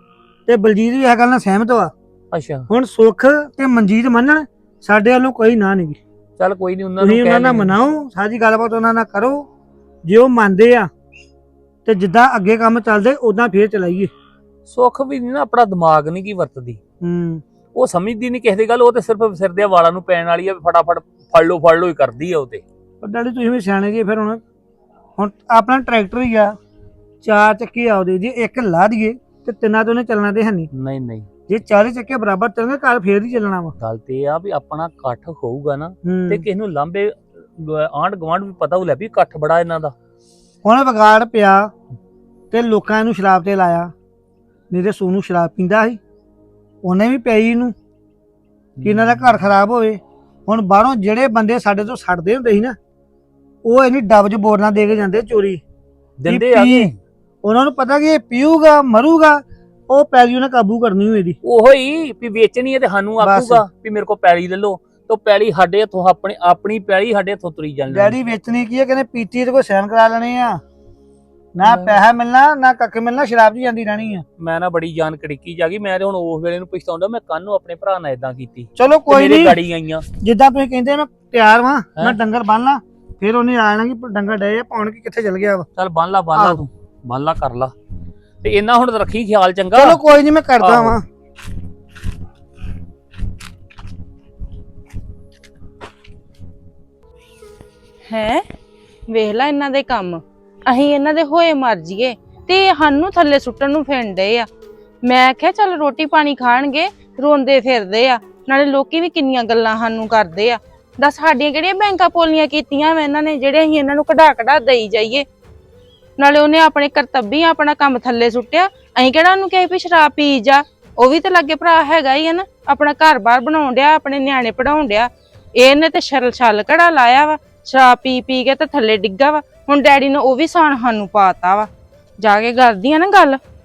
Speaker 7: ਤੇ ਬਲਜੀਤ ਵੀ ਇਹ ਗੱਲ ਨਾਲ ਸਹਿਮਤ ਵਾ।
Speaker 5: ਅੱਛਾ,
Speaker 7: ਹੁਣ ਸੁੱਖ ਤੇ ਮਨਜੀਤ ਮੰਨਣ, ਸਾਡੇ ਵੱਲੋਂ ਕੋਈ ਨਾ ਨਹੀਂ।
Speaker 5: ਚੱਲ ਕੋਈ ਨਹੀਂ, ਉਹਨਾਂ
Speaker 7: ਤੁਸੀਂ
Speaker 5: ਨੂੰ
Speaker 7: ਉਹਨਾਂ
Speaker 5: ਕਹਿ
Speaker 7: ਨਾਲ
Speaker 5: ਲੈਂਦੇ।
Speaker 7: ਮਨਾਓ, ਸਾਰੀ ਗੱਲਬਾਤ ਉਹਨਾਂ ਨਾਲ ਕਰੋ। ਜੇ ਉਹ ਮੰਨਦੇ ਆ ਤੇ ਜਿੱਦਾਂ ਅੱਗੇ ਕੰਮ ਚੱਲਦੇ ਉਦਾਂ ਫੇਰ ਚਲਾਈਏ।
Speaker 5: ਸੁੱਖ ਵੀ ਨੀ ਨਾ ਆਪਣਾ ਦਿਮਾਗ ਨਹੀਂ ਕੀ ਵਰਤਦੀ,
Speaker 7: ਹੂੰ
Speaker 5: ਉਹ ਸਮਝਦੀ ਨਹੀਂ ਕਿਸੇ ਦੀ ਗੱਲ। ਉਹ ਤੇ ਸਿਰਫ ਸਿਰ ਦੇ ਵਾਲਾਂ ਨੂੰ ਪੈਣ ਵਾਲੀ ਆ, ਵੀ ਫਟਾਫਟ ਫੜ ਲਓ ਹੀ ਕਰਦੀ ਆ ਉਹ ਤੇ।
Speaker 7: ਪਰ ਡੈਡੀ ਤੁਸੀਂ ਵੀ ਸਿਆਣੇ ਜੀ। ਫਿਰ ਹੁਣ ਆਪਣਾ ਟਰੈਕਟਰ ਹੀ ਆ, 4 ਚੱਕੇ ਆਉਦੇ, ਜੇ ਇੱਕ ਲਾ ਦਈਏ ਤੇ ਤਿੰਨਾਂ ਤੋਂ ਉਹਨੇ ਚੱਲਣਾ ਤੇ ਹੈ ਨਹੀਂ।
Speaker 5: ਨਹੀਂ
Speaker 7: ਜੇ 40 ਚੱਕੇ ਬਰਾਬਰ ਚੱਲਣਗੇ ਘਰ ਫੇਰ ਹੀ ਚੱਲਣਾ ਵਾ।
Speaker 5: ਗੱਲ ਤੇ ਇਹ ਆ ਵੀ ਆਪਣਾ ਇਕੱਠ ਹੋਊਗਾ ਨਾ,
Speaker 7: ਹੂੰ।
Speaker 5: ਤੇ ਕਿਸੇ ਨੂੰ ਲਾਂਬੇ ਆਂਢ ਗੁਆਂਢ ਵੀ ਪਤਾ ਹੋ ਲੈ ਵੀ ਇਕੱਠ ਬੜਾ ਇਹਨਾਂ ਦਾ।
Speaker 7: ਹੁਣ ਵਿਗਾੜ ਪਿਆ ਤੇ ਲੋਕਾਂ ਨੂੰ ਸ਼ਰਾਬ ਤੇ ਲਾਇਆ, ਨਹੀਂ ਤੇ ਸੋਨੂੰ ਸ਼ਰਾਬ ਪੀਂਦਾ ਸੀ, ਉਹਨੇ ਵੀ ਪਈ ਇਹਨੂੰ ਕਿ ਇਹਨਾਂ ਦਾ ਘਰ ਖਰਾਬ ਹੋਵੇ। ਹੁਣ ਬਾਹਰੋਂ ਜਿਹੜੇ ਬੰਦੇ ਸਾਡੇ ਤੋਂ ਛੱਡਦੇ ਹੁੰਦੇ ਸੀ ਨਾ, ਉਹ ਇਹਨੀ ਡੱਬ 'ਚ ਬੋਤਲਾਂ ਦੇ ਕੇ ਜਾਂਦੇ ਚੋਰੀ।
Speaker 5: ਦਿੰਦੇ ਆ
Speaker 7: ਪੀ, ਉਹਨਾਂ ਨੂੰ ਪਤਾ ਕਿ ਇਹ ਪੀਊਗਾ ਮਰੂਗਾ, ਉਹ ਪੈਲੀ ਉਹਨੇ ਕਾਬੂ ਕਰਨੀ ਹੋਈ ਦੀ।
Speaker 5: ਉਹੋ ਹੀ ਵੀ ਵੇਚਣੀ ਹੈ ਤੇ ਸਾਨੂੰ ਆਖੂਗਾ ਵੀ ਮੇਰੇ ਕੋਲ ਪੈਲੀ ਲੈ ਲਓ, ਤੇ ਪੈਲੀ ਸਾਡੇ ਹੱਥੋਂ ਆਪਣੀ ਪੈਲੀ ਸਾਡੇ ਹੱਥੋਂ ਤੁਰੀ ਜਾਂਦੀ।
Speaker 7: ਡੈਡੀ ਵੇਚਣੀ ਕੀ ਹੈ, ਕਹਿੰਦੇ ਪੀਤੀ ਤੇ ਕੋਈ ਸਹਿਨ ਕਰਾ ਲੈਣੇ ਆ, ਨਾ ਪੈਸਾ ਮਿਲਣਾ ਨਾ ਕੱਖ ਮਿਲਣਾ, ਸ਼ਰਾਬ 'ਚ ਜਾਂਦੀ ਰਹਿਣੀ ਆ।
Speaker 5: ਮੈਂ ਨਾ ਬੜੀ ਜਾਨ ਕੜਿੱਕੀ ਜਾ ਗਈ, ਮੈਂ ਤੇ ਹੁਣ ਉਸ ਵੇਲੇ ਨੂੰ ਪਛਤਾਉਂਦਾ ਮੈਂ ਕੱਲ ਨੂੰ ਆਪਣੇ ਭਰਾ ਨਾਲ ਇਦਾਂ ਕੀਤੀ।
Speaker 7: ਚਲੋ ਕੋਈ
Speaker 5: ਮੇਰੇ
Speaker 7: ਨਹੀਂ,
Speaker 5: ਗਾੜੀ ਆਈਆਂ।
Speaker 7: ਜਿੱਦਾਂ ਤੁਸੀਂ ਕਹਿੰਦੇ ਮੈਂ ਤਿਆਰ ਵਾਂ, ਮੈਂ
Speaker 5: ਹੈਂ?
Speaker 7: ਡੰਗਰ ਬੰਨ ਲਾ, ਫਿਰ ਉਹਨੇ ਆ ਜਾਣਾ ਕਿ ਡੰਗਰ ਡਏ ਆ ਪਾਉਣ, ਕਿ ਕਿੱਥੇ ਚਲ ਗਿਆ ਵਾ।
Speaker 5: ਚੱਲ ਬੰਨ ਲਾ ਤੂੰ, ਬੰਨ ਲਾ ਕਰ ਲਾ, ਤੇ ਇਹਨਾਂ ਹੁਣ ਰੱਖੀ ਖਿਆਲ ਚੰਗਾ।
Speaker 7: ਚਲੋ ਕੋਈ ਨਹੀਂ, ਮੈਂ ਕਰਦਾ
Speaker 5: ਆਹੋ।
Speaker 7: ਵਾਂ।
Speaker 6: ਹੈ ਵੇਖ ਲੈ ਇਹਨਾਂ ਦੇ ਕੰਮ, ਅਸੀਂ ਇਹਨਾਂ ਦੇ ਹੋਏ ਮਰ ਜੀਏ ਤੇ ਇਹ ਸਾਨੂੰ ਥੱਲੇ ਸੁੱਟਣ ਨੂੰ ਫਿਰਦੇ ਆ। ਮੈਂ ਕਿਹਾ ਚੱਲ ਰੋਟੀ ਪਾਣੀ ਖਾਣਗੇ, ਰੋਂਦੇ ਫਿਰਦੇ ਆ, ਨਾਲੇ ਲੋਕੀ ਵੀ ਕਿੰਨੀਆਂ ਗੱਲਾਂ ਸਾਨੂੰ ਕਰਦੇ ਆ। ਦੱਸ ਸਾਡੀਆਂ ਕਿਹੜੀਆਂ ਬੈਂਕਾਂ ਪੋਲੀਆਂ ਕੀਤੀਆਂ ਵਾ ਇਹਨਾਂ ਨੇ, ਜਿਹੜੇ ਅਸੀਂ ਇਹਨਾਂ ਨੂੰ ਕਢਾ ਦੇਈ ਜਾਈਏ। ਨਾਲੇ ਉਹਨੇ ਆਪਣੇ ਕਰਤੱਬੀ ਆਪਣਾ ਕੰਮ ਥੱਲੇ ਸੁੱਟਿਆ, ਅਸੀਂ ਕਿਹੜਾ ਉਹਨੂੰ ਕਹੇ ਵੀ ਸ਼ਰਾਬ ਪੀ ਜਾ। ਉਹ ਵੀ ਤਾਂ ਲੱਗੇ ਭਰਾ ਹੈਗਾ ਹੀ ਆ ਨਾ, ਆਪਣਾ ਘਰ-ਬਾਰ ਬਣਾਉਣ ਡਿਆ, ਆਪਣੇ ਨਿਆਣੇ ਪੜਾਉਣ ਡਿਆ। ਇਹਨੇ ਤੇ ਛਲ ਘੜਾ ਲਾਇਆ ਵਾ, ਸ਼ਰਾਬ ਪੀ ਕੇ ਤੇ ਥੱਲੇ ਡਿੱਗਾ ਵਾ। ਹੁਣ ਡੈਡੀ ਨੇ ਉਹ ਵੀ ਸਾਨ ਸਾਨੂੰ ਪਾਤਾ ਵਾ। ਜਾ ਕੇ ਕਰਦੀ ਆ ਨਾ ਗੱਲ।